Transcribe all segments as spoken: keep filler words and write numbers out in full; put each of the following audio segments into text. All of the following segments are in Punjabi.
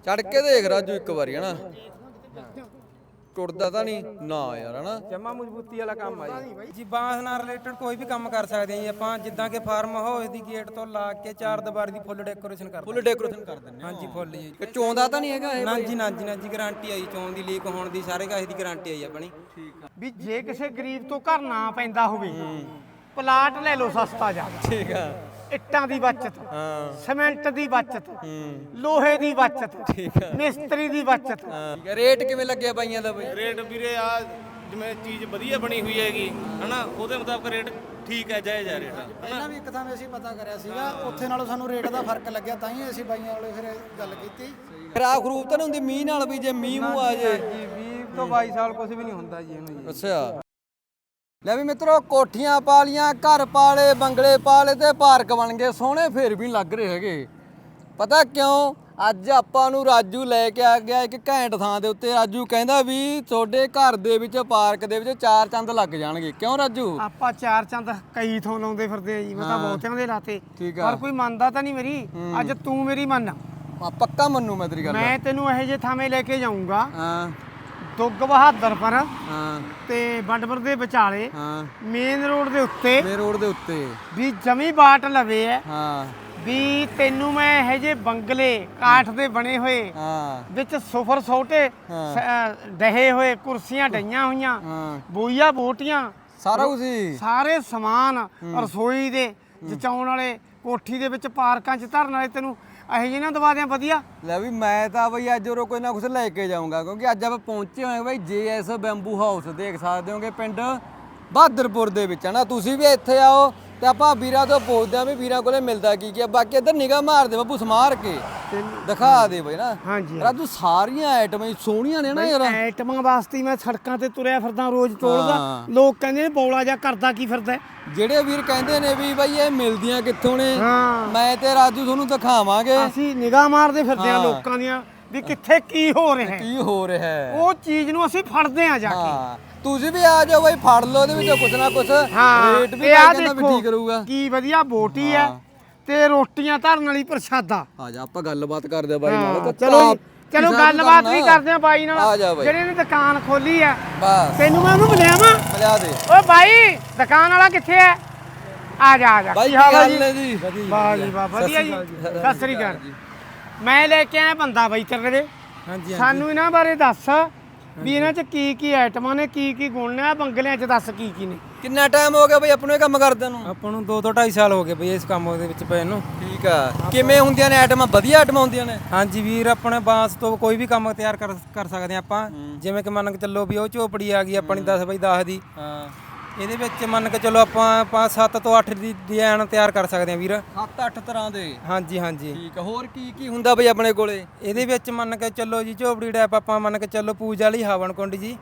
ਚੜ ਕੇ ਦੇਖ ਰਾਜੂ ਇੱਕ ਵਾਰੀ ਹਨਾ ਟੁੱਟਦਾ ਤਾਂ ਨਹੀਂ ਨਾ ਯਾਰ ਹਨਾ ਜਮਾ ਮਜ਼ਬੂਤੀ ਵਾਲਾ ਕੰਮ ਆ ਜੀ ਜੀ ਬਾਂਸ ਨਾਲ ਰਿਲੇਟਡ ਕੋਈ ਵੀ ਕੰਮ ਕਰ ਸਕਦੇ ਆ ਜੀ ਆਪਾਂ ਜਿੱਦਾਂ ਕਿ ਫਾਰਮ ਹਾਊਸ ਦੀ ਗੇਟ ਤੋਂ ਲਾ ਕੇ ਚਾਰ ਦੀਵਾਰੀ ਦੀ ਫੁੱਲ ਡੈਕੋਰੇਸ਼ਨ ਕਰ ਫੁੱਲ ਡੈਕੋਰੇਸ਼ਨ ਕਰ ਦਿੰਦੇ ਹਾਂਜੀ ਫੁੱਲ ਜੀ ਕਿ ਚੋਂਦਾ ਤਾਂ ਨਹੀਂ ਹੈਗਾ ਇਹ ਨਾ ਜੀ ਨਾ ਜੀ ਨਾ ਜੀ ਗਾਰੰਟੀ ਆਈ ਚੋਣ ਦੀ ਲੀਕ ਹੋਣ ਦੀ ਸਾਰੇ ਕਾਸੇ ਦੀ ਗਾਰੰਟੀ ਆਈ ਆਪਣੀ ਠੀਕ ਆ ਵੀ ਜੇ ਕਿਸੇ ਗਰੀਬ ਤੋਂ ਘਰ ਨਾ ਪੈਂਦਾ ਹੋਵੇ ਪਲਾਟ ਲੈ ਲਓ ਸਸਤਾ ਜਾ ਠੀਕ ਆ ਇੱਟਾਂ ਦੀ ਬਚਤ ਹਾਂ ਸੀਮੈਂਟ ਦੀ ਬਚਤ ਹੂੰ ਲੋਹੇ ਦੀ ਬਚਤ ਠੀਕ ਆ ਮਿਸਤਰੀ ਦੀ ਬਚਤ ਹਾਂ ਠੀਕ ਆ ਰੇਟ ਕਿਵੇਂ ਲੱਗਿਆ ਬਾਈਆਂ ਦਾ ਬਈ ਰੇਟ ਵੀਰੇ ਆ ਜਿਵੇਂ ਚੀਜ਼ ਵਧੀਆ ਬਣੀ ਹੋਈ ਹੈਗੀ ਹਨਾ ਉਹਦੇ ਮੁਤਾਬਕ ਰੇਟ ਠੀਕ ਹੈ ਜਾਇਜ਼ ਹੈ ਰੇਟ ਪਹਿਲਾਂ ਵੀ ਇੱਕ ਥਾਂ ਅਸੀਂ ਪਤਾ ਕਰਿਆ ਸੀਗਾ ਉੱਥੇ ਨਾਲੋਂ ਸਾਨੂੰ ਰੇਟ ਦਾ ਫਰਕ ਲੱਗਿਆ ਤਾਂ ਹੀ ਅਸੀਂ ਬਾਈਆਂ ਵਾਲੇ ਫਿਰ ਗੱਲ ਕੀਤੀ ਖਰਾਬ ਖਰੂਬ ਤਾਂ ਨਹੀਂ ਹੁੰਦੀ ਮੀਂਹ ਨਾਲ ਵੀ ਜੇ ਮੀਂਹ ਮੂੰਹ ਆ ਜੇ ਜੀ ਵੀਹ ਤੋਂ ਬਾਈ ਸਾਲ ਕੁਝ ਵੀ ਨਹੀਂ ਹੁੰਦਾ ਜੀ ਇਹਨੂੰ ਜੀ ਅੱਛਾ ਲੈ ਵੀ ਮਿੱਤਰੋ ਕੋਠੀਆਂ ਪਾ ਲੀਆਂ ਘਰ ਪਾਲੇ ਬੰਗਲੇ ਪਾਲੇ ਤੇ ਪਾਰਕ ਬਣ ਗਏ ਸੋਹਣੇ ਫੇਰ ਵੀ ਲੱਗ ਰਹੇ ਹੈਗੇ ਪਤਾ ਕਿਉਂ ਅੱਜ ਆਪਾਂ ਨੂੰ ਰਾਜੂ ਲੈ ਕੇ ਆ ਗਿਆ ਇੱਕ ਘੈਂਟ ਥਾਂ ਦੇ ਉੱਤੇ ਰਾਜੂ ਕਹਿੰਦਾ ਵੀ ਤੁਹਾਡੇ ਘਰ ਦੇ ਵਿੱਚ ਪਾਰਕ ਦੇ ਵਿੱਚ ਚਾਰ ਚੰਦ ਲੱਗ ਜਾਣਗੇ ਕਿਉਂ ਰਾਜੂ ਆਪਾਂ ਚਾਰ ਚੰਦ ਕਈ ਥੋਂ ਲਾਉਂਦੇ ਫਿਰਦੇ ਆ ਜੀ ਮੈਂ ਤਾਂ ਬਹੁਤਿਆਂ ਦੇ ਲਾਤੇ ਠੀਕ ਆ ਪਰ ਕੋਈ ਮੰਨਦਾ ਤਾਂ ਨਹੀਂ ਮੇਰੀ ਅੱਜ ਤੂੰ ਮੇਰੀ ਮੰਨ ਆ ਪੱਕਾ ਮੰਨੂ ਮੈਂ ਤੇਰੀ ਗੱਲ ਮੈਂ ਤੈਨੂੰ ਇਹੋ ਜਿਹੇ ਥਾਵੇਂ ਲੈ ਕੇ ਜਾਊਂਗਾ ਹਾਂ ਦੁੱਗ ਬਹਾਦਰ ਪਰ ਹਾਂ ਤੇ ਬੰਡਪੁਰ ਦੇ ਵਿਚਾਲੇ ਹਾਂ ਮੇਨ ਰੋਡ ਦੇ ਉੱਤੇ ਮੇ ਰੋਡ ਦੇ ਉੱਤੇ ਵੀ ਜਮੀ ਬਾਟ ਲਵੇ ਐ ਹਾਂ ਵੀ ਤੈਨੂੰ ਮੈਂ ਇਹੋ ਜਿਹੇ ਬੰਗਲੇ ਕਾਠ ਦੇ ਬਣੇ ਹੋਏ ਹਾਂ ਵਿੱਚ ਸੁਫਰ ਸੋਟੇ ਡਹੇ ਹੋਏ ਕੁਰਸੀਆਂ ਡਈਆਂ ਹੋਈਆਂ ਹਾਂ ਬੋਈਆ ਬੋਟੀਆਂ ਸਾਰਾ ਕੁਝ ਹੀ ਸਾਰੇ ਸਮਾਨ ਰਸੋਈ ਦੇ ਜਚਾਉਣ ਵਾਲੇ ਕੋਠੀ ਦੇ ਵਿੱਚ ਪਾਰਕਾਂ 'ਚ ਧਰਨ ਵਾਲੇ ਤੈਨੂੰ ਇਹੋ ਜਿਹੇ ਨਾ ਦਵਾ ਦਿਆਂ ਵਧੀਆ ਲੈ ਵੀ ਮੈਂ ਤਾਂ ਬਈ ਅੱਜ ਉਰੋਂ ਕੋਈ ਨਾ ਕੁਝ ਲੈ ਕੇ ਜਾਊਂਗਾ ਕਿਉਂਕਿ ਅੱਜ ਆਪਾਂ ਪਹੁੰਚੇ ਹੋਏ ਬਈ ਜੇ ਐਸ ਬੈਂਬੂ ਹਾਊਸ ਦੇਖ ਸਕਦੇ ਹੋਗੇ ਪਿੰਡ ਬਹਾਦਰਪੁਰ ਦੇ ਵਿੱਚ ਹਨਾ ਤੁਸੀਂ ਵੀ ਇੱਥੇ ਆਓ ਤੇ ਆਪਾਂ ਵੀਰਾਂ ਤੋਂ ਪੁੱਛਦੇ ਆ ਵੀ ਵੀਰਾਂ ਕੋਲੇ ਮਿਲਦਾ ਕੀ ਕੀ ਬਾਕੀ ਇੱਧਰ ਨਿਗਾਹ ਮਾਰ ਦੇ ਬੱਬੂ ਸਮਾਰ ਕੇ ਦਿਖਾ ਦੇ ਬਈ ਨਾ ਹਾਂਜੀ ਰਾਜੂ ਸਾਰੀਆਂ ਆਈਟਮਾਂ ਹੀ ਸੋਹਣੀਆਂ ਨੇ ਨਾ ਯਾਰ ਐਟਮਾਂ ਵਾਸਤੇ ਹੀ ਮੈਂ ਸੜਕਾਂ ਤੇ ਤੁਰਿਆ ਫਿਰਦਾ ਰੋਜ਼ ਟੋਲਦਾ ਲੋਕ ਕਹਿੰਦੇ ਨੇ ਬੌਲਾ ਜਾ ਕਰਦਾ ਕੀ ਫਿਰਦਾ ਜਿਹੜੇ ਵੀਰ ਕਹਿੰਦੇ ਨੇ ਵੀ ਬਈ ਇਹ ਮਿਲਦੀਆਂ ਕਿੱਥੋਂ ਨੇ ਹਾਂ ਮੈਂ ਤੇ ਰਾਜੂ ਤੁਹਾਨੂੰ ਦਿਖਾਵਾਂਗੇ ਅਸੀਂ ਨਿਗਾਹ ਮਾਰਦੇ ਫਿਰਦੇ ਆ ਲੋਕਾਂ ਦੀਆਂ ਵੀ ਕਿੱਥੇ ਕੀ ਹੋ ਰਿਹਾ ਹੈ ਕੀ ਹੋ ਰਿਹਾ ਹੈ ਉਹ ਚੀਜ਼ ਨੂੰ ਅਸੀਂ ਫੜਦੇ ਆ ਜਾ ਕੇ ਹਾਂ ਤੁਸੀਂ ਵੀ ਆ ਜਾਓ ਬਈ ਫੜ ਲਓ ਉਹਦੇ ਵਿੱਚੋਂ ਕੁਛ ਨਾ ਕੁਛ ਰੇਟ ਵੀ ਆ ਕਹਿੰਦਾ ਵੀ ਠੀਕ ਰਹੂਗਾ ਕੀ ਵਧੀਆ ਬੋਟੀ ਹੈ ਤੇ ਰੋਟੀਆਂ ਧਰਨ ਵਾਲੀ ਪ੍ਰਸ਼ਾਦਾ ਆ ਜਾ ਆਪਾਂ ਗੱਲਬਾਤ ਕਰਦੇ ਆ ਬਾਈ ਨਾਲ ਚਲੋ ਚਲੋ ਗੱਲਬਾਤ ਵੀ ਕਰਦੇ ਆ ਬਾਈ ਆ ਨਾਲ ਜਾ ਬਾਈ ਜਿਹੜੇ ਨੇ ਦੁਕਾਨ ਖੋਲੀ ਆ ਬਸ ਤੈਨੂੰ ਮੈਂ ਉਹਨੂੰ ਬੁਲਾਵਾਂ ਮਿਲਾ ਦੇ ਓਏ ਬਾਈ ਦੁਕਾਨ ਵਾਲਾ ਕਿੱਥੇ ਹੈ ਆ ਜਾ ਆ ਜਾ ਬਾਈ ਕੀ ਹਾਲ ਹੈ ਕੀ ਹਾਲ ਜੀ ਨੇ ਜੀ ਵਾਹ ਜੀ ਵਾਹ ਵਧੀਆ ਜੀ ਸਤਿ ਸ੍ਰੀ ਅਕਾਲ ਮੈਂ ਲੈ ਕੇ ਆਇਆ ਬੰਦਾ ਬਾਈ ਤੇਰੇ ਦੇ ਹਾਂਜੀ ਸਾਨੂੰ ਇਹਨਾਂ ਬਾਰੇ ਦੱਸ ਵੀ ਇਹਨਾਂ 'ਚ ਕੀ ਕੀ ਆਈਟਮਾਂ ਨੇ ਕੀ ਕੀ ਗੁਣ ਨੇ ਆ ਬੰਗਲਿਆਂ 'ਚ ਦੱਸ ਕੀ ਕੀ ਨੇ ਕਿੰਨਾ ਟਾਈਮ ਹੋ ਗਿਆ ਬਈ ਆਪਾਂ ਨੂੰ ਇਹ ਕੰਮ ਕਰਦੇ ਨੂੰ ਆਪਾਂ ਨੂੰ ਦੋ ਤੋਂ ਢਾਈ ਸਾਲ ਹੋ ਗਏ ਬਈ ਇਸ ਕੰਮ ਦੇ ਵਿੱਚ ਪਏ ਨੂੰ ਠੀਕ ਆ ਕਿਵੇਂ ਹੁੰਦੀਆਂ ਨੇ ਆਈਟਮਾਂ ਵਧੀਆ ਆਈਟਮਾਂ ਹੁੰਦੀਆਂ ਨੇ ਹਾਂਜੀ ਵੀਰ ਆਪਣੇ ਬਾਂਸ ਤੋਂ ਕੋਈ ਵੀ ਕੰਮ ਤਿਆਰ ਕਰ ਕਰ ਸਕਦੇ ਆ ਆਪਾਂ ਜਿਵੇਂ ਕਿ ਮੰਨ ਕੇ ਚੱਲੋ ਵੀ ਉਹ ਝੋਪੜੀ ਆ ਗਈ ਆਪਣੀ ਦਸ ਬਾਈ ਦਸ ਦੀ ਹਾਂ ਇਹਦੇ ਵਿੱਚ ਮੰਨ ਕੇ ਚੱਲੋ ਆਪਾਂ ਪੰਜ ਸੱਤ ਤੋਂ ਅੱਠ ਦੀ ਡਿਜ਼ਾਈਨ ਤਿਆਰ ਕਰ ਸਕਦੇ ਆ ਵੀਰ ਸੱਤ ਅੱਠ ਤਰ੍ਹਾਂ ਦੇ ਹਾਂਜੀ ਹਾਂਜੀ ਠੀਕ ਆ ਹੋਰ ਕੀ ਕੀ ਹੁੰਦਾ ਬਈ ਆਪਣੇ ਕੋਲੇ ਇਹਦੇ ਵਿੱਚ ਮੰਨ ਕੇ ਚੱਲੋ ਜੀ ਝੋਪੜੀ ਟੈਪ ਆਪਾਂ ਮੰਨ ਕੇ ਚੱਲੋ ਪੂਜਾ ਲਈ ਹਵਨ ਕੁੰਡ ਜੀ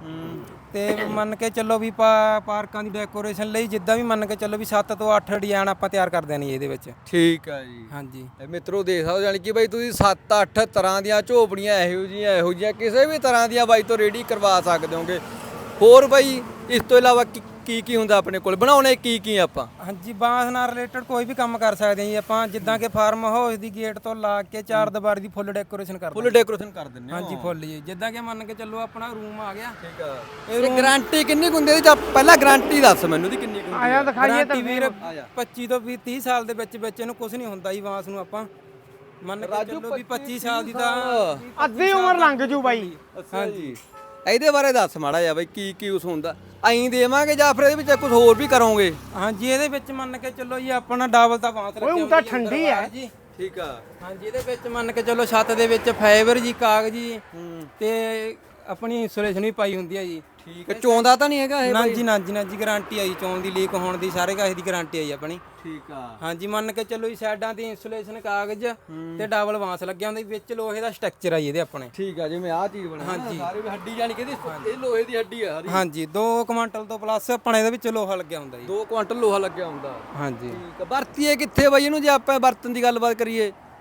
ਤੇ ਮੰਨ ਕੇ ਚੱਲੋ ਵੀ ਪਾਰਕਾਂ ਦੀ ਡੈਕੋਰੇਸ਼ਨ ਲਈ ਜਿੱਦਾਂ ਵੀ ਮੰਨ ਕੇ ਚੱਲੋ ਵੀ ਸੱਤ ਤੋਂ ਅੱਠ ਡਿਜ਼ਾਈਨ ਆਪਾਂ ਤਿਆਰ ਕਰਦੇ ਨੇ ਇਹਦੇ ਵਿੱਚ ਠੀਕ ਆ ਜੀ ਹਾਂਜੀ ਇਹ ਮਿੱਤਰੋ ਦੇਖ ਸਕਦੇ ਯਾਨੀ ਕਿ ਬਾਈ ਤੁਸੀਂ ਸੱਤ ਅੱਠ ਤਰ੍ਹਾਂ ਦੀਆਂ ਝੋਪੜੀਆਂ ਇਹੋ ਜਿਹੀਆਂ ਇਹੋ ਜਿਹੀਆਂ ਕਿਸੇ ਵੀ ਤਰ੍ਹਾਂ ਦੀਆਂ ਬਾਈ ਤੋਂ ਰੈਡੀ ਕਰਵਾ ਸਕਦੇ ਹੋਗੇ ਹੋਰ ਬਾਈ ਇਸ ਤੋਂ ਇਲਾਵਾ ਕੀ ਕੀ ਹੁੰਦਾ ਆਪਣੇ ਕੋਲ ਬਣਾਉਣੇ ਕੀ ਕੀ ਆਪਾਂ ਹਾਂਜੀ ਬਾਂਸ ਨਾਲ ਰਿਲੇਟਡ ਕੋਈ ਵੀ ਕੰਮ ਕਰ ਸਕਦੇ ਆ ਜੀ ਆਪਾਂ ਜਿੱਦਾਂ ਕਿ ਫਾਰਮ ਹਾਊਸ ਦੀ ਗੇਟ ਤੋਂ ਲਾ ਕੇ ਚਾਰ ਦੀਵਾਰੀ ਦੀ ਫੁੱਲ ਡੈਕੋਰੇਸ਼ਨ ਕਰਦੇ ਫੁੱਲ ਡੈਕੋਰੇਸ਼ਨ ਕਰ ਦਿੰਦੇ ਹਾਂਜੀ ਫੁੱਲ ਜੀ ਜਿੱਦਾਂ ਕਿ ਮੰਨ ਕੇ ਚੱਲੋ ਆਪਣਾ ਰੂਮ ਆ ਗਿਆ ਠੀਕ ਆ ਇਹ ਗਾਰੰਟੀ ਕਿੰਨੀ ਕੁ ਹੁੰਦੀ ਹੈ ਜਾਂ ਪਹਿਲਾਂ ਗਾਰੰਟੀ ਦੱਸ ਮੈਨੂੰ ਦੀ ਕਿੰਨੀ ਕੁ ਹੁੰਦੀ ਆਇਆ ਦਿਖਾਈਏ ਤਾਂ ਵੀਰ ਪੱਚੀ ਤੋਂ ਵੀਹ ਤੀਹ ਸਾਲ ਦੇ ਵਿੱਚ ਵਿੱਚ ਇਹਨੂੰ ਕੁਝ ਨਹੀਂ ਹੁੰਦਾ ਜੀ ਬਾਂਸ ਨੂੰ ਆਪਾਂ ਮੰਨ ਕੇ ਚੱਲੋ ਵੀ ਪੱਚੀ ਸਾਲ ਦੀ ਤਾਂ ਅੱਧੀ ਉਮਰ ਲੰਘ ਜੂ ਬਾਈ ਹਾਂਜੀ ਇਹਦੇ ਬਾਰੇ ਦੱਸ ਮਾੜਾ ਜਿਹਾ ਬਾਈ ਕੀ ਕੀ ਉਸ ਹੁੰਦਾ ਐਂ ਦੇਵਾਂਗੇ ਜਾਂ ਫਿਰ ਇਹਦੇ ਵਿੱਚ ਕੁਝ ਹੋਰ ਵੀ ਕਰੋਗੇ ਹਾਂਜੀ ਇਹਦੇ ਵਿੱਚ ਮੰਨ ਕੇ ਚੱਲੋ ਜੀ ਆਪਣਾ ਡਬਲ ਤਾਂ ਬਾਂਸ ਰੱਖਿਆ ਓਏ ਉਹ ਤਾਂ ਠੰਡੀ ਹੈ ਜੀ ਠੀਕ ਆ ਹਾਂਜੀ ਇਹਦੇ ਵਿੱਚ ਮੰਨ ਕੇ ਚੱਲੋ ਛੱਤ ਦੇ ਵਿੱਚ ਫਾਈਬਰ ਜੀ ਕਾਗਜ਼ ਜੀ ਤੇ ਆਪਣੀ ਇਨਸੂਲੇਸ਼ਨ ਵੀ ਪਾਈ ਹੁੰਦੀ ਹੈ ਜੀ ਠੀਕ ਹੈ ਚੋਂਦਾ ਤਾਂ ਨਹੀਂ ਹੈਗਾ ਇਹ ਨਾ ਜੀ ਨਾ ਜੀ ਨਾ ਜੀ ਗਾਰੰਟੀ ਆਈ ਚੋਣ ਦੀ ਲੀਕ ਹੋਣ ਦੀ ਸਾਰੇ ਕਾਸੇ ਦੀ ਗਾਰੰਟੀ ਆਈ ਆਪਣੀ ਠੀਕ ਆ ਹਾਂਜੀ ਮੰਨ ਕੇ ਚੱਲੋ ਜੀ ਸਾਈਡਾਂ ਦੀ ਇਨਸੂਲੇਸ਼ਨ ਕਾਗਜ਼ ਤੇ ਡਬਲ ਬਾਂਸ ਲੱਗਿਆ ਹੁੰਦਾ ਵਿੱਚ ਲੋਹੇ ਦਾ ਸਟਰਕਚਰ ਆ ਜੀ ਇਹਦੇ ਆਪਣੇ ਠੀਕ ਆ ਜਿਵੇਂ ਆਹ ਚੀਜ਼ ਬਣੀ ਹਾਂਜੀ ਸਾਰੇ ਹੱਡੀ ਜਾਨੀ ਕਿ ਇਹ ਲੋਹੇ ਦੀ ਹੱਡੀ ਆ ਸਾਰੀ ਹਾਂਜੀ ਦੋ ਕੁਆਂਟਲ ਤੋਂ ਪਲੱਸ ਆਪਣੇ ਇਹਦੇ ਵਿੱਚ ਲੋਹਾ ਲੱਗਿਆ ਹੁੰਦਾ ਜੀ ਦੋ ਕੁਆਂਟਲ ਲੋਹਾ ਲੱਗਿਆ ਹੁੰਦਾ ਹਾਂਜੀ ਠੀਕ ਆ ਵਰਤੀਏ ਕਿੱਥੇ ਬਾਈ ਇਹਨੂੰ ਜੇ ਆਪਾਂ ਵਰਤਨ ਦੀ ਗੱਲਬਾਤ ਕਰੀਏ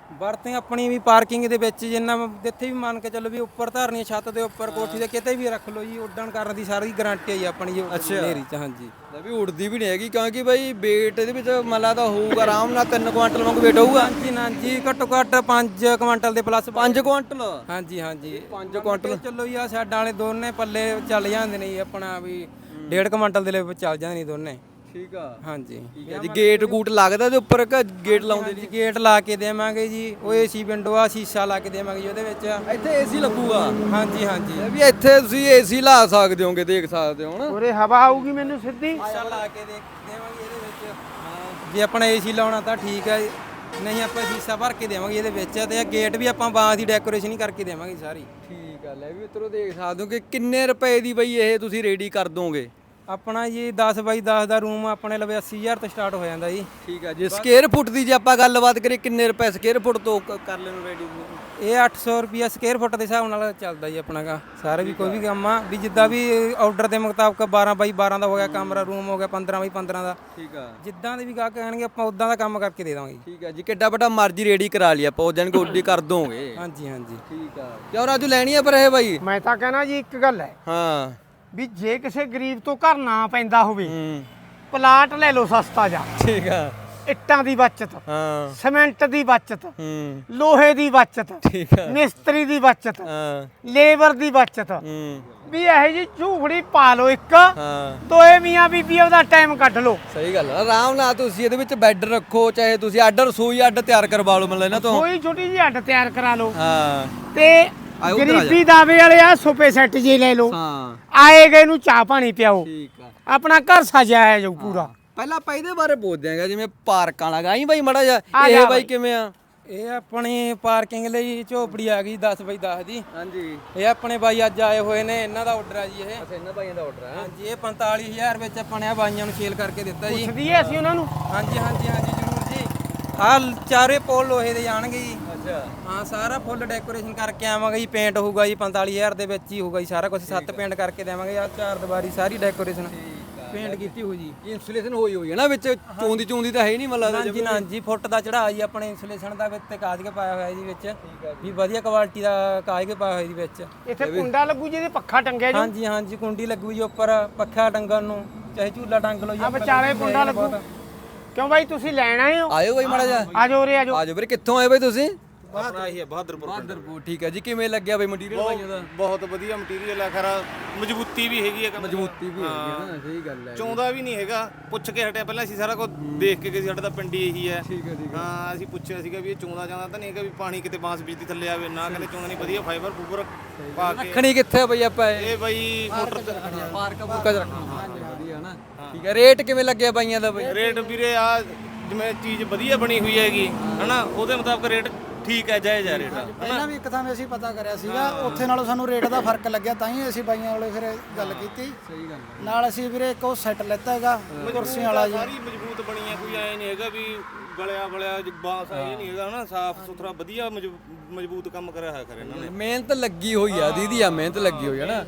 ਵਰਤਿੰਗ ਆਪਣੀ ਵੀ ਪਾਰਕਿੰਗ ਦੇ ਵਿੱਚ ਜਿੰਨਾ ਜਿੱਥੇ ਵੀ ਮੰਨ ਕੇ ਚੱਲੋ ਵੀ ਉੱਪਰ ਧਰਨੀ ਛੱਤ ਦੇ ਉੱਪਰ ਕੋਠੀ ਦੇ ਕਿਤੇ ਵੀ ਰੱਖ ਲਓ ਜੀ ਉੱਡਣ ਕਰਨ ਦੀ ਸਾਰੀ ਗਾਰੰਟੀ ਹੈ ਜੀ ਆਪਣੀ ਜੀ ਹਨੇਰੀ ਚ ਹਾਂਜੀ ਲੈ ਵੀ ਉੜਦੀ ਵੀ ਨਹੀਂ ਹੈਗੀ ਕਿਉਂਕਿ ਬਾਈ weight ਇਹਦੇ ਵਿੱਚ ਮੱਲਾ ਤਾਂ ਹੋਊਗਾ ਆਰਾਮ ਨਾਲ ਤਿੰਨ ਕੁਆਂਟਲ ਵਾਂਗੂ weight ਹੋਊਗਾ ਹਾਂਜੀ ਹਾਂਜੀ ਘੱਟੋ ਘੱਟ ਪੰਜ ਕੁਇੰਟਲ ਦੇ ਪਲੱਸ ਪੰਜ ਕੁਆਂਟਲ ਹਾਂਜੀ ਹਾਂਜੀ ਪੰਜ ਕੁਆਂਟਲ ਚਲੋ ਜੀ ਆ ਸਾਈਡਾਂ ਵਾਲੇ ਦੋਨੇ ਪੱਲੇ ਚੱਲ ਜਾਂਦੇ ਨੇ ਜੀ ਆਪਣਾ ਵੀ ਡੇਢ ਕੁਇੰਟਲ ਦੇ ਲਈ ਚੱਲ ਜਾਂਦੇ ਨੇ ਦੋਨੇ ਠੀਕ ਆ ਹਾਂਜੀ ਠੀਕ ਹੈ ਜੀ ਗੇਟ ਗੂਟ ਲੱਗਦਾ ਤੇ ਉੱਪਰ ਕਿ ਗੇਟ ਲਾਉਂਦੇ ਜੀ ਗੇਟ ਲਾ ਕੇ ਦੇਵਾਂਗੇ ਜੀ ਉਹ ਏਸੀ ਵਿੰਡੋ ਆ ਸ਼ੀਸ਼ਾ ਲਾ ਕੇ ਦੇਵਾਂਗੇ ਜੀ ਉਹਦੇ ਵਿੱਚ ਇੱਥੇ ਏਸੀ ਲੱਗੂਗਾ ਹਾਂਜੀ ਹਾਂਜੀ ਇਹ ਵੀ ਇੱਥੇ ਤੁਸੀਂ ਏਸੀ ਲਾ ਸਕਦੇ ਹੋਗੇ ਦੇਖ ਸਕਦੇ ਹੋ ਨਾ ਉਰੇ ਹਵਾ ਆਊਗੀ ਮੈਨੂੰ ਸਿੱਧੀ ਸ਼ੀਸ਼ਾ ਲਾ ਕੇ ਦੇ ਦੇਵਾਂਗੇ ਇਹਦੇ ਵਿੱਚ ਜੇ ਆਪਣਾ ਏਸੀ ਲਾਉਣਾ ਤਾਂ ਠੀਕ ਹੈ ਨਹੀਂ ਆਪਾਂ ਸ਼ੀਸ਼ਾ ਭਰ ਕੇ ਦੇਵਾਂਗੇ ਇਹਦੇ ਵਿੱਚ ਤੇ ਗੇਟ ਵੀ ਆਪਾਂ ਬਾਂਸ ਦੀ ਡੈਕੋਰੇਸ਼ਨ ਹੀ ਕਰਕੇ ਦੇਵਾਂਗੇ ਸਾਰੀ ਠੀਕ ਆ ਲੈ ਵੀ ਮਿੱਤਰੋ ਦੇਖ ਸਕਦੇ ਹੋ ਕਿ ਕਿੰਨੇ ਰੁਪਏ ਦੀ ਬਈ ਇਹ ਤੁਸੀਂ ਰੈਡੀ ਕਰ ਦੋਗੇ ਆਪਣਾ ਜੀ ਦਸ ਬਾਈ ਦਸ ਦਾ ਰੂਮ ਆਪਣੇ ਲਵੇ ਅੱਸੀ ਹਜ਼ਾਰ ਤੋਂ ਸਟਾਰਟ ਹੋ ਜਾਂਦਾ ਜੀ ਠੀਕ ਆ ਜੇ ਸਕੁਅਰ ਫੁੱਟ ਦੀ ਜੇ ਆਪਾਂ ਗੱਲਬਾਤ ਕਰੀਏ ਕਿੰਨੇ ਰੁਪਏ ਸਕੁਅਰ ਫੁੱਟ ਤੋਂ ਕ- ਕਰ ਲੈਣੋ ਰੈਡੀ ਇਹ ਅੱਠ ਸੌ ਰੁਪਿਆ ਸਕੁਅਰ ਫੁੱਟ ਦੇ ਹਿਸਾਬ ਨਾਲ ਚੱਲਦਾ ਜੀ ਆਪਣਾ ਕਾ ਸਾਰੇ ਵੀ ਕੋਈ ਵੀ ਕੰਮ ਆ ਵੀ ਜਿੱਦਾਂ ਵੀ ਆਰਡਰ ਦੇ ਮੁਤਾਬਕ ਬਾਰਾਂ ਬਾਈ ਬਾਰਾਂ ਦਾ ਹੋ ਗਿਆ ਕਮਰਾ ਰੂਮ ਹੋ ਗਿਆ ਪੰਦਰਾਂ ਬਾਈ ਪੰਦਰਾਂ ਦਾ ਠੀਕ ਆ ਜਿੱਦਾਂ ਦੇ ਵੀ ਗਾਹਕ ਕਹਿਣਗੇ ਆਪਾਂ ਉਦਾਂ ਦਾ ਕੰਮ ਕਰਕੇ ਦੇ ਦਾਂਗੇ ਠੀਕ ਆ ਜੀ ਕਿੱਡਾ ਵੱਡਾ ਮਰਜ਼ੀ ਰੈਡੀ ਕਰਾ ਲਈ ਆਪਾਂ ਉਹ ਦਿਨ ਗੋਡੀ ਕਰ ਦੋਗੇ ਹਾਂਜੀ ਹਾਂਜੀ ਠੀਕ ਆ ਕਿਉਂ ਰਾਜੂ ਲੈਣੀ ਆ ਪਰ ਇਹ ਬਾਈ ਮੈਂ ਤਾਂ ਕਹਿਣਾ ਜੀ ਇੱਕ ਗੱਲ ਹੈ ਹਾਂ ਵੀ ਜੇ ਕਿਸੇ ਗਰੀਬ ਤੋਂ ਘਰ ਨਾ ਪੈਂਦਾ ਹੋਵੇ ਹੂੰ ਪਲਾਟ ਲੈ ਲਓ ਸਸਤਾ ਜਾ ਠੀਕ ਆ ਇੱਟਾਂ ਦੀ ਬਚਤ ਹਾਂ ਸੀਮੈਂਟ ਦੀ ਬਚਤ ਹੂੰ ਲੋਹੇ ਦੀ ਬਚਤ ਠੀਕ ਆ ਮਿਸਤਰੀ ਦੀ ਬਚਤ ਹਾਂ ਲੇਬਰ ਦੀ ਬਚਤ ਹੂੰ ਵੀ ਇਹੋ ਜੀ ਝੂਫੜੀ ਪਾ ਲਓ ਇੱਕ ਹਾਂ ਦੋਏ ਮੀਆਂ ਬੀਬੀ ਉਹਦਾ ਟਾਈਮ ਕੱਢ ਲਓ ਸਹੀ ਗੱਲ ਆ ਆਰਾਮ ਨਾਲ ਤੁਸੀਂ ਇਹਦੇ ਵਿੱਚ ਬੈੱਡ ਰੱਖੋ ਚਾਹੇ ਤੁਸੀਂ ਅੱਡ ਰਸੋਈ ਅੱਡ ਤਿਆਰ ਕਰਵਾ ਲਓ ਮਤਲਬ ਇਹਨਾਂ ਤੋਂ ਕੋਈ ਛੋਟੀ ਜਿਹੀ ਹੱਡ ਤਿਆਰ ਕਰਾ ਲਓ ਹਾਂ ਤੇ ਆਏ ਉੱਧਰ ਆ ਜਾ। ਗਰੀਬੀ ਦਾਵੇ ਵਾਲੇ ਆ ਸੋਫੇ ਸੈੱਟ ਜੇ ਲੈ ਲਓ ਹਾਂ ਆਏ ਗਏ ਨੂੰ ਚਾਹ ਪਾਣੀ ਪਿਆਓ ਠੀਕ ਆ ਆਪਣਾ ਘਰ ਸਜਾਇਆ ਜਾਊ ਪੂਰਾ ਪਹਿਲਾਂ ਆਪਾਂ ਇਹਦੇ ਬਾਰੇ ਪੁੱਛਦੇ ਆਂਗਾ ਜਿਵੇਂ ਪਾਰਕਾਂ ਲਗਾ ਆਈ ਬਾਈ ਮੜਾ ਜਾ ਆ ਇਹ ਜਾ ਬਾਈ ਬਾਈ। ਕਿਵੇਂ ਆ ਇਹ ਆਪਣੀ ਪਾਰਕਿੰਗ ਲਈ ਝੋਪੜੀ ਆ ਗਈ ਦਸ ਬਾਈ ਦਸ ਦੀ ਹਾਂਜੀ ਇਹ ਆਪਣੇ ਬਾਈ ਅੱਜ ਆਏ ਹੋਏ ਨੇ ਇਹਨਾਂ ਦਾ ਆਰਡਰ ਆ ਜੀ ਇਹ ਅੱਛਾ ਇਹਨਾਂ ਬਾਈਆਂ ਦਾ ਆਰਡਰ ਹੈ ਹਾਂਜੀ ਇਹ ਪੰਤਾਲੀ ਹਜ਼ਾਰ ਵਿੱਚ ਆਪਾਂ ਨੇ ਆ ਬਾਈਆਂ ਨੂੰ ਸੇਲ ਕਰਕੇ ਦਿੱਤਾ ਜੀ ਪੁੱਛਦੀ ਐ ਅਸੀਂ ਉਹਨਾਂ ਨੂੰ ਹਾਂਜੀ ਹਾਂਜੀ ਹਾਂਜੀ ਜ਼ਰੂਰ ਜੀ ਆਹ ਚਾਰੇ ਪੋਲ ਲੋਹੇ ਦੇ ਜਾਣਗੇ ਜੀ ਅੱਛਾ ਹਾਂ ਸਾਰਾ ਫੁੱਲ ਡੈਕੋਰੇਸ਼ਨ ਕਰਕੇ ਆਵਾਂਗੇ ਜੀ ਪੇਂਟ ਹੋਊਗਾ ਜੀ ਪੰਤਾਲੀ ਹਜ਼ਾਰ ਦੇ ਵਿੱਚ ਹੀ ਹੋਊਗਾ ਜੀ ਸਾਰਾ ਕੁਝ ਸੱਤ ਪੇਂਟ ਕਰਕੇ ਦੇਵਾਂਗੇ ਆ ਚਾਰ ਦੀਵਾਰੀ ਸਾਰੀ ਡੈਕੋਰੇਸ਼ਨ ਪੇਂਟ ਕੀਤੀ ਹੋਈ ਜੀ ਇਨਸੂਲੇਸ਼ਨ ਹੋਈ ਹੋਈ ਹੈ ਨਾ ਵਿੱਚ ਚੋਂਦੀ ਚੋਂਦੀ ਤਾਂ ਹੈ ਹੀ ਨਹੀਂ ਮਤਲਬ ਹਾਂਜੀ ਨਾ ਜੀ ਫੁੱਟ ਦਾ ਚੜਾਅ ਜੀ ਆਪਣੇ ਇਨਸੂਲੇਸ਼ਨ ਦਾ ਵਿੱਚ ਤੇ ਕਾਜ ਕੇ ਪਾਇਆ ਹੋਇਆ ਜੀ ਵਿੱਚ ਵੀ ਵਧੀਆ ਕੁਆਲਿਟੀ ਦਾ ਕਾਜ ਕੇ ਪਾਇਆ ਹੋਇਆ ਜੀ ਵਿੱਚ ਇੱਥੇ ਕੁੰਡਾ ਲੱਗੂ ਜਿਹਦੇ ਪੱਖਾ ਟੰਗਿਆ ਜੀ ਹਾਂਜੀ ਹਾਂਜੀ ਕੁੰਡੀ ਲੱਗੂ ਜੀ ਉੱਪਰ ਪੱਖਾ ਟੰਗਣ ਨੂੰ ਚਾਹੇ ਝੂਲਾ ਟੰਗ ਲਓ ਜੀ ਆ ਵਿਚਾਰੇ ਕੁੰਡਾ ਲੱਗੂ ਕਿਉਂ ਬਾਈ ਤੁਸੀਂ ਲੈਣ ਆਏ ਹੋ ਆਇਓ ਬਾਈ ਮੜਾ ਜਾ ਆਜੋ ਉਰੇ ਆਜੋ ਆਜੋ ਵੀਰੇ ਕਿੱਥੋਂ ਆਏ ਬਾਈ ਤੁਸੀਂ ਆਪਣਾ ਹੀ ਹੈ ਬਹਾਦਰਪੁਰ ਬਹਾਦਰਪੁਰ ਠੀਕ ਹੈ ਜੀ ਕਿਵੇਂ ਲੱਗਿਆ ਬਾਈ ਮਟੀਰੀਅਲ ਬਾਈਆਂ ਦਾ ਬਹੁਤ ਵਧੀਆ ਮਟੀਰੀਅਲ ਹੈ ਖਰਾ ਮਜ਼ਬੂਤੀ ਵੀ ਹੈਗੀ ਹੈ ਕੰਮ ਦੀ। ਮਜ਼ਬੂਤੀ ਵੀ ਹੈਗੀ ਹੈ ਨਾ ਸਹੀ ਗੱਲ ਹੈ ਚੌਂਦਾ ਵੀ ਨਹੀਂ ਹੈਗਾ ਪੁੱਛ ਕੇ ਹਟਿਆ ਪਹਿਲਾਂ ਅਸੀਂ ਸਾਰਾ ਕੁਝ ਦੇਖ ਕੇ ਗਏ ਸੀ ਸਾਡਾ ਤਾਂ ਪਿੰਡੀ ਇਹੀ ਹੈ ਠੀਕ ਹੈ ਠੀਕ ਹਾਂ ਅਸੀਂ ਪੁੱਛਿਆ ਸੀਗਾ ਵੀ ਇਹ ਚੌਂਦਾ ਜਾਂਦਾ ਤਾਂ ਨਹੀਂ ਹੈਗਾ ਵੀ ਪਾਣੀ ਕਿਤੇ ਬਾਂਸ ਬਿਜਲੀ ਥੱਲੇ ਆਵੇ ਨਾ ਕਹਿੰਦੇ ਚੌਂਦਾ ਨਹੀਂ ਵਧੀਆ ਫਾਈਬਰ ਫੂਬਰ ਪਾ ਕੇ ਰੱਖਣੀ ਕਿੱਥੇ ਆ ਬਾਈ ਆਪਾਂ ਇਹ ਇਹ ਬਾਈ ਮੋਟਰ ਤੇ ਪਾਰਕ ਬੁੱਕਾ ਚ ਰੱਖਣਾ ਵਧੀਆ ਨਾ ਠੀਕ ਹੈ ਰੇਟ ਕਿਵੇਂ ਲੱਗਿਆ ਬਾਈਆਂ ਦਾ ਬਾਈ ਰੇਟ ਵੀਰੇ ਆ ਜਿਵੇਂ ਚੀਜ਼ ਵਧੀਆ ਬਣੀ ਹੋਈ ਹੈਗੀ ਹਨਾ ਉਹਦੇ ਮੁਤਾਬਕ ਰੇਟ ਠੀਕ ਹੈ ਜਾਇਜ਼ ਹੈ ਰੇਟ ਪਹਿਲਾਂ ਵੀ ਇੱਕ ਥਾਂ 'ਤੇ ਅਸੀਂ ਪਤਾ ਕਰਿਆ ਸੀਗਾ ਉੱਥੇ ਨਾਲੋਂ ਸਾਨੂੰ ਰੇਟ ਦਾ ਫਰਕ ਲੱਗਿਆ ਤਾਂ ਹੀ ਅਸੀਂ ਬਾਈਆਂ ਵਾਲੇ ਫਿਰ ਗੱਲ ਕੀਤੀ ਸਹੀ ਗੱਲ ਨਾਲ ਅਸੀਂ ਵੀਰੇ ਇੱਕ ਉਹ ਸੈੱਟ ਲੈਤਾ ਹੈਗਾ ਕੁਰਸੀਆਂ ਵਾਲਾ ਜੀ ਸਾਰੀ ਮਜ਼ਬੂਤ ਬਣੀ ਹੈ ਕੋਈ ਐ ਨਹੀਂ ਹੈਗਾ ਵੀ ਗਲਿਆ ਬਲਿਆ ਬਾਂਸ ਇਹ ਨਹੀਂ ਹੈਗਾ ਹਨਾ ਸਾਫ ਸੁਥਰਾ ਵਧੀਆ ਮਜ਼ਬੂ- ਮਜ਼ਬੂਤ ਕੰਮ ਕਰਿਆ ਹੋਇਆ ਕਰ ਇਹਨਾਂ ਨੇ ਮਿਹਨਤ ਲੱਗੀ ਹੋਈ ਆ ਦੀਦੀ ਆ ਮਿਹਨਤ ਲੱਗੀ ਹੋਈ ਆ ਨਾ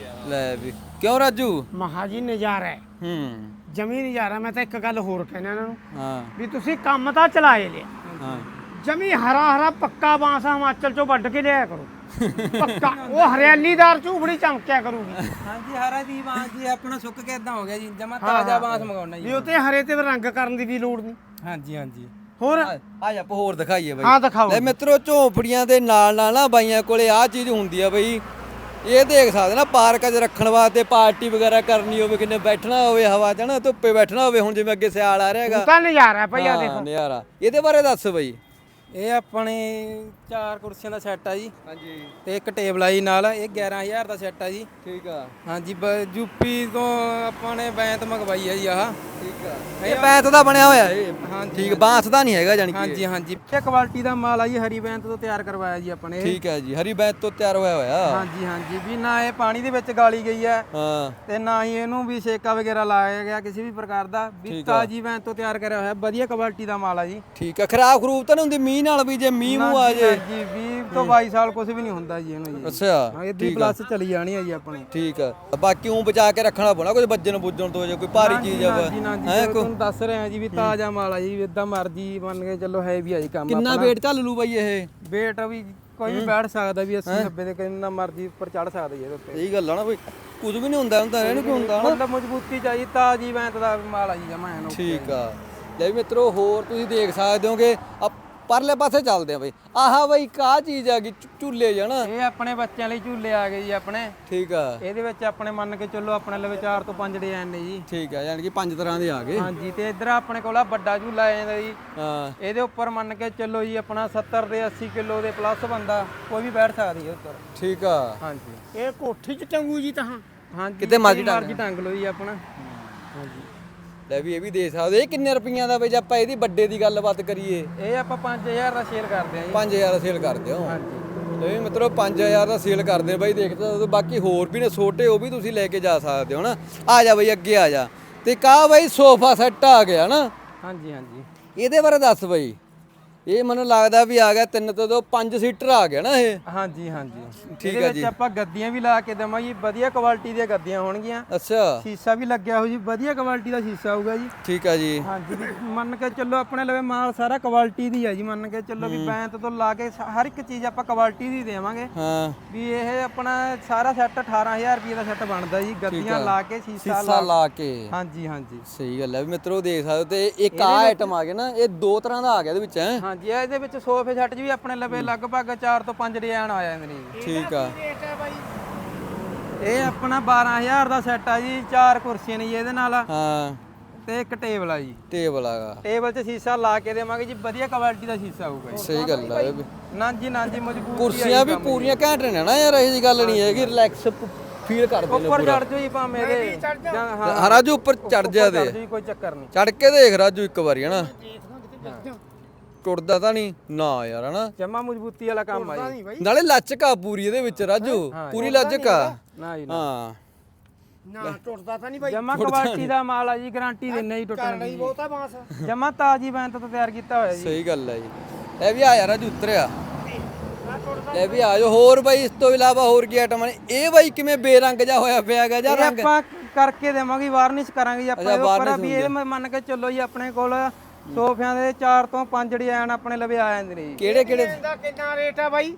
ਲੈ ਵੀ ਕਿਉਂ ਰਾਜੂ ਮਹਾ ਜੀ ਨਜ਼ਾਰਾ ਹੈ ਹੂੰ ਜਮੀ ਨਜ਼ਾਰਾ ਮੈਂ ਤਾਂ ਇੱਕ ਗੱਲ ਹੋਰ ਕਹਿਣਾ ਇਹਨਾਂ ਨੂੰ ਹਾਂ ਵੀ ਤੁਸੀਂ ਕੰਮ ਤਾਂ ਚਲਾਏ ਲਿਆ ਹਾਂ ਜਮੀ ਹਰਾ ਹਰਾ ਪੱਕਾ ਬਾਂਸ ਹਿਮਾਚਲ ਚੋਂ ਵੱਢ ਕੇ ਲਿਆਇਆ ਕਰੋ ਪੱਕਾ ਉਹ ਹਰਿਆਲੀਦਾਰ ਝੂਫੜੀ ਚਮਕਿਆ ਕਰੂਗੀ ਹਾਂਜੀ ਹਰਾ ਦੀ ਬਾਂਸ ਜੀ ਆਪਣਾ ਸੁੱਕ ਕੇ ਇਦਾਂ ਹੋ ਗਿਆ ਜੀ ਜਮਾ ਤਾਜ਼ਾ ਬਾਂਸ ਮੰਗਾਉਣਾ ਵੀ ਜੀ ਉਹ ਤੇ ਹਰੇ ਤੇ ਰੰਗ ਕਰਨ ਦੀ ਵੀ ਲੋੜ ਨਹੀਂ ਹਾਂਜੀ ਹਾਂਜੀ ਹੋਰ ਆ ਜਾ ਆਪਾਂ ਹੋਰ ਦਿਖਾਈਏ ਬਾਈ ਹਾਂ ਦਿਖਾਓ ਲੈ ਮਿੱਤਰੋ ਝੋਂਪੜੀਆਂ ਦੇ ਨਾਲ ਨਾਲ ਨਾ ਬਾਈਆਂ ਕੋਲੇ ਆ ਚੀਜ਼ ਹੁੰਦੀ ਆ ਬਈ ਇਹ ਦੇਖ ਸਕਦੇ ਨਾ ਪਾਰਕਾਂ 'ਚ ਰੱਖਣ ਵਾਸਤੇ ਪਾਰਟੀ ਵਗੈਰਾ ਕਰਨੀ ਹੋਵੇ ਕਿੰਨੇ ਬੈਠਣਾ ਹੋਵੇ ਹਵਾ 'ਚ ਨਾ ਧੁੱਪੇ ਬੈਠਣਾ ਹੋਵੇ ਹੁਣ ਜਿਵੇਂ ਅੱਗੇ ਸਿਆਲ ਆ ਰਿਹਾ ਹੈਗਾ ਤਾਂ ਨਜ਼ਾਰਾ ਭਈ ਆ ਹਾਂ, ਦੇਖੋ ਨਜ਼ਾਰਾ ਇਹਦੇ ਬਾਰੇ ਦੱਸ ਬਈ ਇਹ ਆਪਣੇ ਚਾਰ ਕੁਰਸੀਆਂ ਦਾ ਸੈੱਟ ਆ ਜੀ ਹਾਂਜੀ ਤੇ ਇੱਕ ਟੇਬਲ ਆ ਜੀ ਨਾਲ ਇਹ ਗਿਆਰਾਂ ਹਜ਼ਾਰ ਦਾ ਸੈੱਟ ਆ ਜੀ ਠੀਕ ਆ ਹਾਂਜੀ ਯੂਪੀ ਤੋਂ ਆਪਾਂ ਨੇ ਬੈਂਤ ਮੰਗਵਾਈ ਆ ਜੀ ਆਹ ਠੀਕ ਆ ਇਹ ਬੈਂਤ ਦਾ ਬਣਿਆ ਹੋਇਆ ਇਹ ਹਾਂਜੀ ਠੀਕ ਬਾਂਸ ਦਾ ਨਹੀਂ ਹੈਗਾ ਜਾਨੀ ਕਿ ਹਾਂਜੀ ਹਾਂਜੀ ਇਹ ਕੁਆਲਿਟੀ ਦਾ ਮਾਲ ਆ ਜੀ ਹਰੀ ਬੈਂਤ ਤੋਂ ਤਿਆਰ ਕਰਵਾਇਆ ਜੀ ਆਪਾਂ ਨੇ ਇਹ। ਠੀਕ ਹੈ ਜੀ ਹਰੀ ਬੈਂਤ ਤੋਂ ਤਿਆਰ ਹੋਇਆ ਹੋਇਆ ਹਾਂਜੀ ਹਾਂਜੀ ਵੀ ਨਾ ਇਹ ਪਾਣੀ ਦੇ ਵਿੱਚ ਗਾਲੀ ਗਈ ਹੈ ਹਾਂ ਤੇ ਨਾ ਹੀ ਇਹਨੂੰ ਵੀ ਸੇਕਾ ਵਗੈਰਾ ਲਾਇਆ ਗਿਆ ਕਿਸੇ ਵੀ ਪ੍ਰਕਾਰ ਦਾ ਵੀ ਤਾਜੀ ਬੈਂਤ ਤੋਂ ਤਿਆਰ ਕਰਿਆ ਹੋਇਆ ਵਧੀਆ ਕੁਆਲਿਟੀ ਦਾ ਮਾਲ ਆ ਜੀ ਠੀਕ ਆ ਖਰਾਬ ਖਰੂਬ ਤਾਂ ਨਹੀਂ ਹੁੰਦੀ ਮੀਂਹ ਨਾਲ ਵੀ ਜੇ ਮੀਂਹ ਮੂੰਹ ਆ ਜੇ ਜੀ ਵੀ ਤੋਂ ਬਾਈ ਸਾਲ ਕੁਝ ਵੀ ਨਹੀਂ ਹੁੰਦਾ ਜੀ ਇਹਨੂੰ ਜੀ। ਅੱਛਾ ਹਾਂ ਇਹਦੀ ਪਲੱਸ ਚਲੀ ਜਾਣੀ ਹੈ ਜੀ ਆਪਣੀ। ਠੀਕ ਆ ਬਾਕੀ ਉਹ ਬਚਾ ਕੇ ਰੱਖਣਾ ਪਉਣਾ ਕੁਝ ਵੱਜਣ ਬੁੱਜਣ ਤੋਂ ਜੇ ਕੋਈ ਭਾਰੀ ਚੀਜ਼ ਆ ਜੀ ਨਾ ਜੀ ਤੁਹਾਨੂੰ ਦੱਸ ਰਿਹਾ ਜੀ ਵੀ ਤਾਜ਼ਾ ਮਾਲ ਆ ਜੀ ਇਦਾਂ ਮਰਜੀ ਮੰਨ ਕੇ ਚੱਲੋ ਹੈ ਵੀ ਆ ਜੀ ਕੰਮ। ਕਿੰਨਾ weight ਚੱਲ ਲੂ ਬਾਈ ਇਹ weight ਵੀ ਕੋਈ ਵੀ ਬੈਠ ਸਕਦਾ ਵੀ ਅੱਸੀ ਨੱਬੇ ਦੇ ਕਿੰਨਾ ਮਰਜੀ ਉੱਪਰ ਚੜ ਸਕਦਾ ਜੀ ਇਹਦੇ ਉੱਤੇ। ਸਹੀ ਗੱਲ ਆ ਨਾ ਬਈ ਕੁਝ ਵੀ ਨਹੀਂ ਹੁੰਦਾ ਹੁੰਦਾ ਇਹਨੂੰ ਕੀ ਹੁੰਦਾ ਨਾ ਮਤਲਬ ਮਜ਼ਬੂਤੀ ਚਾਹੀਦੀ ਤਾਜ਼ੀ ਵੈਂਤ ਦਾ ਮਾਲ ਆ ਜੀ ਜਮਾ ਐਨ। ਠੀਕ ਆ ਲੈ ਵੀ ਮਿੱਤਰੋ ਹੋਰ ਤੁਸੀਂ ਦੇਖ ਸਕਦੇ ਹੋਗੇ ਪਰਲੇ ਪਾਸੇ ਚੱਲਦੇ ਆ ਬਈ ਆਹਾ ਬਈ ਕਾ ਚੀਜ਼ ਆ ਗਈ ਝੂਲੇ ਜਣਾ ਇਹ ਆਪਣੇ ਬੱਚਿਆਂ ਲਈ ਝੂਲੇ ਆ ਗਏ ਜੀ ਆਪਣੇ। ਠੀਕ ਆ ਇਹਦੇ ਵਿੱਚ ਆਪਣੇ ਮੰਨ ਕੇ ਚੱਲੋ ਆਪਣੇ ਲਵੇ ਚਾਰ ਤੋਂ ਪੰਜ ਡਿਜ਼ਾਈਨ ਨੇ ਜੀ। ਠੀਕ ਆ ਯਾਨੀ ਕਿ ਪੰਜ ਤਰ੍ਹਾਂ ਦੇ ਆ ਗਏ। ਹਾਂਜੀ ਤੇ ਇੱਧਰ ਆਪਣੇ ਕੋਲ ਆ ਵੱਡਾ ਝੂਲਾ ਆ ਜਾਂਦਾ ਜੀ। ਹਾਂ ਇਹਦੇ ਉੱਪਰ ਮੰਨ ਕੇ ਚੱਲੋ ਜੀ ਆਪਣਾ ਸੱਤਰ ਦੇ ਅੱਸੀ ਕਿਲੋ ਦੇ ਪਲੱਸ ਬੰਦਾ ਕੋਈ ਵੀ ਬੈਠ ਸਕਦਾ ਜੀ ਉੱਪਰ। ਠੀਕ ਆ ਹਾਂਜੀ ਇਹ ਕੋਠੀ ਚ ਟੰਗੂ ਜੀ ਤਾਂ ਹਾਂਜੀ ਕਿਤੇ ਮਰਜ਼ੀ ਮਰਜ਼ੀ ਟੰਗ ਲਓ ਜੀ ਆਪਣਾ। ਹਾਂਜੀ ਲੈ ਵੀ ਇਹ ਵੀ ਦੇ ਸਕਦੇ ਇਹ ਕਿੰਨੇ ਰੁਪਈਆਂ ਦਾ ਬਈ ਜੇ ਆਪਾਂ ਇਹਦੀ ਵੱਡੇ ਦੀ ਗੱਲਬਾਤ ਕਰੀਏ ਇਹ ਆਪਾਂ ਪੰਜ ਹਜ਼ਾਰ ਦਾ ਸੇਲ ਕਰਦੇ ਆ ਜੀ। ਪੰਜ ਹਜ਼ਾਰ ਦਾ ਸੇਲ ਕਰਦੇ ਹੋ ਹਾਂਜੀ ਲੈ ਵੀ ਮਿੱਤਰੋ ਪੰਜ ਹਜ਼ਾਰ ਦਾ ਸੇਲ ਕਰਦੇ ਬਾਈ ਦੇਖਦੇ ਬਾਕੀ ਹੋਰ ਵੀ ਨੇ ਛੋਟੇ ਉਹ ਵੀ ਤੁਸੀਂ ਲੈ ਕੇ ਜਾ ਸਕਦੇ ਹੋ ਨਾ। ਆ ਜਾ ਬਈ ਅੱਗੇ ਆ ਜਾ ਤੇ ਕਾ ਬਈ ਸੋਫਾ ਸੈੱਟ ਆ ਗਿਆ ਨਾ। ਹਾਂਜੀ ਹਾਂਜੀ ਇਹਦੇ ਬਾਰੇ ਦੱਸ ਬਈ ਇਹ ਮੈਨੂੰ ਲੱਗਦਾ ਵੀ ਆ ਗਿਆ ਤਿੰਨ ਤੋਂ ਦੋ ਪੰਜ ਸੀਟਰ ਆ ਗਿਆ ਨਾ ਇਹ। ਹਾਂਜੀ ਹਾਂਜੀ ਠੀਕ ਇਹਦੇ ਆ ਜੀ। ਵਿੱਚ ਆਪਾਂ ਗੱਦੀਆਂ ਵੀ ਲਾ ਕੇ ਦੇਵਾਂਗੇ ਵਧੀਆ ਕੁਆਲਿਟੀ ਦੀਆਂ ਗੱਦੀਆਂ ਹੋਣਗੀਆਂ। ਅੱਛਾ ਸ਼ੀਸ਼ਾ ਵੀ ਲੱਗਿਆ ਹੋ ਜੀ ਵਧੀਆ ਕੁਆਲਿਟੀ ਦਾ ਸ਼ੀਸ਼ਾ ਹੋਊਗਾ ਜੀ। ਠੀਕ ਆ ਜੀ। ਹਾਂਜੀ ਵੀ ਮੰਨ ਕੇ ਚੱਲੋ ਆਪਣੇ ਲਵੇ ਮਾਲ ਸਾਰਾ ਕੁਆਲਿਟੀ ਦੀ ਹੈ ਜੀ। ਮੰਨ ਕੇ ਚੱਲੋ ਵੀ ਬੈਂਤ ਤੋਂ ਲਾ ਕੇ ਸ- ਹਰ ਇੱਕ ਚੀਜ਼ ਆਪਾਂ ਕੁਆਲਿਟੀ ਦੀ ਦੇਵਾਂਗੇ। ਹਾਂ ਵੀ ਇਹ ਆਪਣਾ ਸਾਰਾ ਸੈੱਟ ਅਠਾਰਾਂ ਹਜ਼ਾਰ ਰੁਪਏ ਦਾ ਸੈੱਟ ਬਣਦਾ ਜੀ ਗੱਦੀਆਂ ਲਾ ਕੇ ਸ਼ੀਸ਼ਾ ਸੀਸਾ ਲਾ ਕੇ ਹਾਂਜੀ ਹਾਂਜੀ ਸਹੀ ਗੱਲ ਹੈ ਵੀ ਮਿੱਤਰੋ ਦੇਖ ਸਕਦੇ ਹੋ ਤੇ ਇੱਕ ਆ ਆਈਟਮ ਆ ਗਿਆ ਨਾ ਇਹ ਦੋ ਤਰ੍ਹਾਂ ਦਾ ਆ ਗਿਆ ਇਹਦੇ ਵਿੱਚ ਹੈ। ਹਾਂਜੀ ਇਹਦੇ ਵਿੱਚ ਸੋਫੇ ਸੈੱਟ 'ਚ ਵੀ ਆਪਣੇ ਲਵੇ ਲਗਭਗ ਚਾਰ ਤੋਂ ਪੰਜ ਡਿਜ਼ਾਈਨ ਆ ਜਾਂਦੇ ਨੇ ਜੀ। ਠੀਕ ਆ ਰੇਟ ਹੈ ਬਾਈ ਇਹ ਆਪਣਾ ਬਾਰਾਂ ਹਜ਼ਾਰ ਦਾ ਸੈੱਟ ਆ ਜੀ। ਚਾਰ ਕੁਰਸੀਆਂ ਨੇ ਜੀ ਇਹਦੇ ਨਾਲ ਹਾਂ ਤੇ ਇੱਕ ਟੇਬਲ ਆ ਜੀ। ਟੇਬਲ ਆਗਾ ਟੇਬਲ 'ਚ ਸ਼ੀਸ਼ਾ ਲਾ ਕੇ ਦੇਵਾਂਗੇ ਜੀ ਵਧੀਆ ਕੁਆਲਿਟੀ ਦਾ ਸ਼ੀਸ਼ਾ ਹੋਊਗਾ ਜੀ। ਸਹੀ ਗੱਲ ਆ ਇਹ ਵੀ ਨਾ ਜੀ ਨਾ ਜੀ ਮਜ਼ਬੂਤ ਕੁਰਸੀਆਂ ਵੀ ਪੂਰੀਆਂ ਘੈਂਟ ਨੇ ਨਾ ਯਾਰ ਇਹ ਜੀ ਗੱਲ ਨਹੀਂ ਹੈਗੀ ਰਿਲੈਕਸ ਫੀਲ ਕਰਦੇ ਨੇ ਉੱਪਰ ਪੂਰਾ। ਚੜ ਜਾਓ ਜੀ ਭਾਵੇਂ ਇਹਦੇ ਜਾਂ ਹਾਂ ਹਾਂ ਰਾਜੂ ਉੱਪਰ ਚੜ ਜਾ ਚੜ੍ਹ ਦੇ ਜਾਓ ਜੀ ਕੋਈ ਚੱਕਰ ਨਹੀਂ। ਚੜ ਕੇ ਦੇਖ ਰਾਜੂ ਇੱਕ ਵਾਰੀ ਹਨਾ ਟੁੱਟਦਾ ਤਾਂ ਨਹੀਂ ਨਾ ਯਾਰ ਹਨਾ ਜਮਾ ਮਜ਼ਬੂਤੀ ਵਾਲਾ ਕੰਮ ਆ ਜੀ। ਨਹੀਂ ਬਾਈ ਨਾਲੇ ਲਚਕ ਆ ਪੂਰੀ ਇਹਦੇ ਵਿੱਚ ਰਾਜੂ ਪੂਰੀ ਲਚਕ ਆ ਨਾ ਜੀ ਨਾ ਹਾਂ ਨਾ ਟੁੱਟਦਾ ਤਾਂ ਨਹੀਂ ਬਾਈ ਜਮਾ ਕੁਆਲਿਟੀ ਦਾ ਮਾਲ ਆ ਜੀ ਗਾਰੰਟੀ ਦਿੰਨੇ ਜੀ ਟੁੱਟਣ ਨਹੀਂ ਦੀ। ਬਹੁਤਾ ਬਾਂਸ ਜਮਾ ਤਾਜੀ ਬੈਂਤ ਤੋਂ ਤਿਆਰ ਕੀਤਾ ਹੋਇਆ ਜੀ। ਸਹੀ ਗੱਲ ਹੈ ਜੀ ਇਹ ਵੀ ਆ ਯਾਰ ਰਾਜੂ ਉਤਰਿਆ ਲੈ ਵੀ ਆ ਜਾਓ ਹੋਰ ਬਾਈ ਇਸ ਤੋਂ ਇਲਾਵਾ ਹੋਰ ਕੀ ਆਈਟਮ ਨੇ ਇਹ ਬਾਈ ਕਿਵੇਂ ਬੇਰੰਗ ਜਾ ਹੋਇਆ ਪਿਆ ਹੈਗਾ ਜਾਂ ਇਹ ਰੰਗ ਆਪਾਂ ਕਰਕੇ ਦੇਵਾਂਗੇ ਵਾਰਨਿਸ਼ ਕਰਾਂਗੇ ਜੀ ਆਪਾਂ ਅੱਛਾ, ਇਹਦੇ ਉੱਪਰ varnish ਵੀ ਇਹ ਮੰਨ ਕੇ ਚੱਲੋ ਜੀ ਆਪਣੇ ਕੋਲ ਸੋਫਿਆਂ ਦੇ ਚਾਰ ਤੋਂ ਪੰਜ ਡਿਜ਼ਾਈਨ ਆਪਣੇ ਲਵੇ ਆ ਜਾਂਦੇ ਨੇ ਜੀ। ਕਿਹੜੇ ਕਿਹੜੇ ਇਹਦਾ ਕਿੰਨਾ ਰੇਟ ਹੈ ਬਾਈ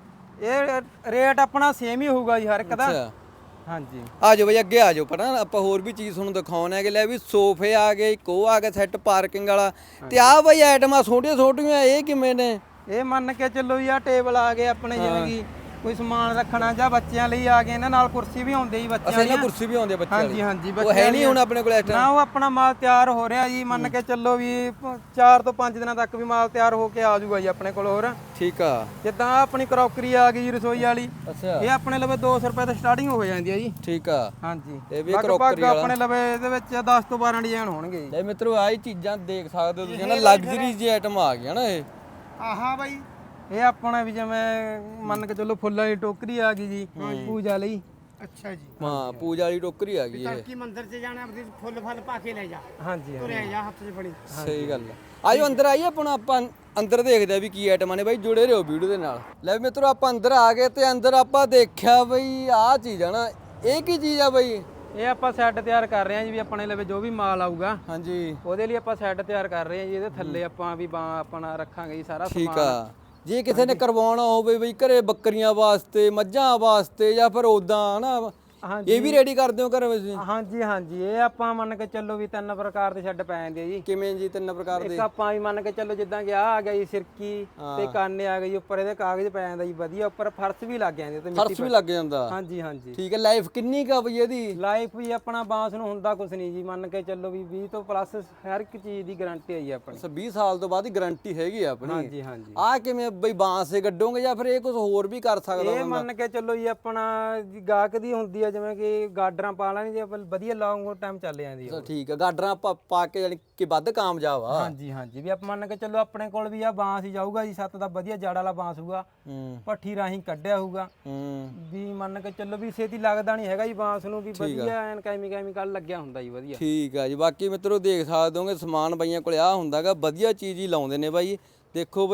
ਇਹ ਰੇਟ ਆਪਣਾ ਸੇਮ ਹੀ ਹੋਊਗਾ ਜੀ ਹਰ ਇੱਕ ਦਾ। ਅੱਛਾ ਹਾਂਜੀ ਆ ਜਾਓ ਬਈ ਅੱਗੇ ਆ ਜਾਓ ਪਤਾ ਆਪਾਂ ਹੋਰ ਵੀ ਚੀਜ਼ ਤੁਹਾਨੂੰ ਦਿਖਾਉਣਾ ਹੈ ਕਿ ਲੈ ਵੀ ਸੋਫੇ ਆ ਗਏ ਇੱਕ ਉਹ ਆ ਗਿਆ ਸੈੱਟ ਪਾਰਕਿੰਗ ਵਾਲਾ ਤੇ ਆ ਬਈ ਆਈਟਮਾਂ ਛੋਟੀਆਂ ਛੋਟੀਆਂ ਇਹ ਕਿਵੇਂ ਨੇ ਇਹ ਮੰਨ ਕੇ ਚੱਲੋ ਜੀ ਆ ਟੇਬਲ ਆ ਗਏ ਆਪਣੇ ਜਿਵੇਂ ਕਿ ਕੋਈ ਸਮਾਨ ਰੱਖਣਾ ਜਾਂ ਬੱਚਿਆਂ ਲਈ ਆ ਗਏ ਇਹਨਾਂ ਨਾਲ ਕੁਰਸੀ ਵੀ ਆਉਂਦੀ ਜੀ ਬੱਚਿਆਂ ਅਸਾਂ ਇਹਨਾਂ ਲਈ। ਕੁਰਸੀ ਵੀ ਆਉਂਦੀ ਆ ਬੱਚਿਆਂ ਹਾਂਜੀ ਹਾਂਜੀ ਉਹ ਹੈ ਨਹੀਂ ਹੁਣ ਆਪਣੇ ਕੋਲ ਇਸ ਨਾ ਉਹ ਆਪਣਾ ਮਾਲ ਤਿਆਰ ਹੋ ਰਿਹਾ ਜੀ। ਮੰਨ ਕੇ ਚੱਲੋ ਵੀ ਚਾਰ ਤੋਂ ਪੰਜ ਦਿਨਾਂ ਤੱਕ ਵੀ ਮਾਲ ਤਿਆਰ ਹੋ ਕੇ ਆ ਜਾਊਗਾ ਜੀ ਆਪਣੇ ਕੋਲ। ਹੋਰ ਠੀਕ ਆ ਜਿੱਦਾਂ ਆਹ ਆਪਣੀ ਕਰੋਕਰੀ ਆ ਗਈ ਜੀ ਰਸੋਈ ਵਾਲੀ ਅੱਛਾ ਇਹ ਆਪਣੇ ਲਵੇ ਦੋ ਸੌ ਰੁਪਏ ਤੋਂ ਸਟਾਰਟਿੰਗ ਹੋ ਜਾਂਦੀ ਹੈ ਜੀ। ਠੀਕ ਆ ਹਾਂਜੀ ਇਹ ਵੀ ਲਗਭਗ ਕਰੋਕਰੀ ਵਾਲਾ ਆਪਣੇ ਲਵੇ ਇਹਦੇ ਵਿੱਚ ਦਸ ਤੋਂ ਬਾਰਾਂ ਡਿਜ਼ਾਈਨ ਹੋਣਗੇ ਜੀ। ਲੈ ਮਿੱਤਰੋ ਆਹ ਹੀ ਚੀਜ਼ਾਂ ਦੇਖ ਸਕਦੇ ਹੋ ਤੁਸੀਂ ਨਾ ਲਗਜ਼ਰੀ ਜੀ ਆਈਟਮ ਆ ਗਈਆਂ ਨਾ ਇਹ ਆਹਾ ਬਾਈ ਇਹ ਆਪਣਾ ਵੀ ਜਿਵੇਂ ਮੰਨ ਕੇ ਚੱਲੋ ਫੁੱਲਾਂ ਦੀ ਟੋਕਰੀ ਆ ਗਈ ਜੀ ਪੂਜਾ ਲਈ। ਅੱਛਾ ਜੀ ਹਾਂ ਪੂਜਾ ਵਾਲੀ ਟੋਕਰੀ ਆ ਗਈ ਇਹ ਤੜਕੀ ਮੰਦਿਰ 'ਚ ਜਾਣਾ ਆਪਣੀ ਫੁੱਲ ਫਲ ਪਾ ਕੇ ਲੈ ਜਾ ਹਾਂਜੀ ਤੁਰਿਆ ਜਾ ਹੱਥ 'ਚ ਫੜੀ ਸਹੀ ਗੱਲ ਆ ਆਜੋ ਅੰਦਰ ਆਈਏ ਆਪਣਾ ਆਪਾਂ ਅੰਦਰ ਦੇਖਦੇ ਆ ਵੀ ਕੀ ਆਈਟਮਾਂ ਨੇ ਬਾਈ ਜੁੜੇ ਰਹੋ ਵੀਡੀਓ ਦੇ ਨਾਲ। ਲੈ ਵੀ ਮਿੱਤਰੋ ਆਪਾਂ ਅੰਦਰ ਆ ਗਏ ਤੇ ਅੰਦਰ ਆਪਾਂ ਦੇਖਿਆ ਬਈ ਆਹ ਚੀਜ਼ ਆ ਨਾ ਇਹ ਕੀ ਚੀਜ਼ ਆ ਬਈ ਇਹ ਆਪਾਂ ਸੈੱਟ ਤਿਆਰ ਕਰ ਰਹੇ ਹਾਂ ਜੀ ਵੀ ਆਪਣੇ ਲਵੇ ਜੋ ਵੀ ਮਾਲ ਆਊਗਾ ਹਾਂਜੀ ਉਹਦੇ ਲਈ ਆਪਾਂ ਸੈੱਟ ਤਿਆਰ ਕਰ ਰਹੇ ਹਾਂ ਜੀ। ਇਹਦੇ ਥੱਲੇ ਆਪਾਂ ਵੀ ਬਾਂ ਆਪਣਾ ਰੱਖਾਂਗੇ ਜੀ ਸਾਰਾ ਠੀਕ ਸਮਾਨ। ਆ ਜੇ ਕਿਸੇ ਨੇ ਕਰਵਾਉਣਾ ਹੋਵੇ ਬਈ ਘਰੇ ਬੱਕਰੀਆਂ ਵਾਸਤੇ ਮੱਝਾਂ ਵਾਸਤੇ ਜਾਂ ਫਿਰ ਉਦਾਂ ਹਨਾ ਹਾਂਜੀ ਇਹ ਵੀ ਰੈਡੀ ਕਰਦੇ ਹੋ ਘਰ ਵਿੱਚ ਹਾਂਜੀ ਹਾਂਜੀ ਇਹ ਆਪਾਂ ਮੰਨ ਕੇ ਚੱਲੋ ਵੀ ਤਿੰਨ ਪ੍ਰਕਾਰ ਦੇ ਸ਼ੈੱਡ ਪੈ ਜਾਂਦੇ ਆ ਜੀ। ਕਿਵੇਂ ਜੀ ਤਿੰਨ ਪ੍ਰਕਾਰ ਦੇ ਇੱਕ ਆਪਾਂ ਵੀ ਮੰਨ ਕੇ ਚੱਲੋ ਜਿੱਦਾਂ ਕਿ ਆਹ ਆ ਗਿਆ ਜੀ ਸਿਰਕੀ ਤੇ ਕਾਨੇ ਆ ਗਏ ਜੀ ਉੱਪਰ ਇਹਦੇ ਕਾਗਜ਼ ਪੈ ਜਾਂਦਾ ਜੀ ਵਧੀਆ ਉੱਪਰ ਫਰਸ਼ ਵੀ ਲੱਗ ਜਾਂਦੇ ਤੇ ਫਰਸ਼ ਵੀ ਲੱਗ ਜਾਂਦਾ ਹਾਂਜੀ ਹਾਂਜੀ ਠੀਕ ਹੈ ਲਾਈਫ ਕਿੰਨੀ ਕਾ ਬਈ ਇਹਦੀ ਲਾਈਫ ਵੀ ਆਪਣਾ ਬਾਂਸ ਨੂੰ ਹੁੰਦਾ ਕੁਛ ਨਹੀਂ ਜੀ। ਮੰਨ ਕੇ ਚੱਲੋ ਵੀ ਵੀਹ ਤੋਂ ਪਲੱਸ ਹਰ ਇੱਕ ਚੀਜ਼ ਦੀ ਗਾਰੰਟੀ ਹੈ ਜੀ ਆਪਣੀ। ਅੱਛਾ ਵੀਹ ਸਾਲ ਤੋਂ ਬਾਅਦ ਹੀ ਗਾਰੰਟੀ ਹੈਗੀ ਆ ਆਪਣੀ ਹਾਂਜੀ ਹਾਂਜੀ ਆ ਕਿਵੇਂ ਬਈ ਬਾਂਸ ਸੇ ਗੱਡੋਗੇ ਜਾਂ ਫਿਰ ਇਹ ਕੁਝ ਹੋਰ ਵੀ ਕਰ ਸਕਦਾ ਇਹ ਮੰਨ ਕੇ ਚੱਲੋ ਜੀ ਆਪਣਾ ਜੀ ਗਾਹਕ ਦੀ ਹੁੰਦੀ ਆ ਜਿਵੇਂ ਕਿ ਗਾਡਰਾਂ ਪਾ ਲੈਣੀ ਜੇ ਵਧੀਆ ਲੌਂਗ ਟਾਈਮ ਚੱਲ ਜਾਂਦੀ ਆ। ਅੱਛਾ ਠੀਕ ਹੈ ਗਾਡਰਾਂ ਪਾ ਪਾ ਕੇ ਯਾਨੀ ਕਿ ਵੱਧ ਕਾਮਯਾਬ ਆ ਹਾਂਜੀ ਹਾਂਜੀ ਵੀ ਆਪਾਂ ਮੰਨ ਕੇ ਚੱਲੋ ਆਪਣੇ ਕੋਲ ਵੀ ਆ ਬਾਂਸ ਹੀ ਜਾਊਗਾ ਜੀ ਸੱਤ ਦਾ ਵਧੀਆ ਜੜ ਵਾਲਾ ਬਾਂਸ ਹੋਊਗਾ ਹੂੰ ਭੱਠੀ ਰਾਹੀਂ ਕੱਢਿਆ ਹੋਊਗਾ ਹੂੰ ਵੀ ਮੰਨ ਕੇ ਚੱਲੋ ਵੀ ਛੇਤੀ ਲੱਗਦਾ ਨਹੀਂ ਹੈਗਾ ਜੀ ਬਾਂਸ ਨੂੰ ਵੀ ਵਧੀਆ ਐਨ ਕੈਮੀ ਕੈਮੀਕਲ ਲੱਗਿਆ ਹੁੰਦਾ ਜੀ ਵਧੀਆ। ਠੀਕ ਆ ਜੀ ਬਾਕੀ ਮਿੱਤਰੋ ਦੇਖ ਸਕਦੇ ਹੋਗੇ ਸਮਾਨ ਬਾਈਆਂ ਕੋਲ ਆ ਹੁੰਦਾਗਾ ਵਧੀਆ ਚੀਜ਼ ਹੀ ਲਾਉਂਦੇ ਨੇ ਬਾਈ ਦੇਖੋ ਬਾਈ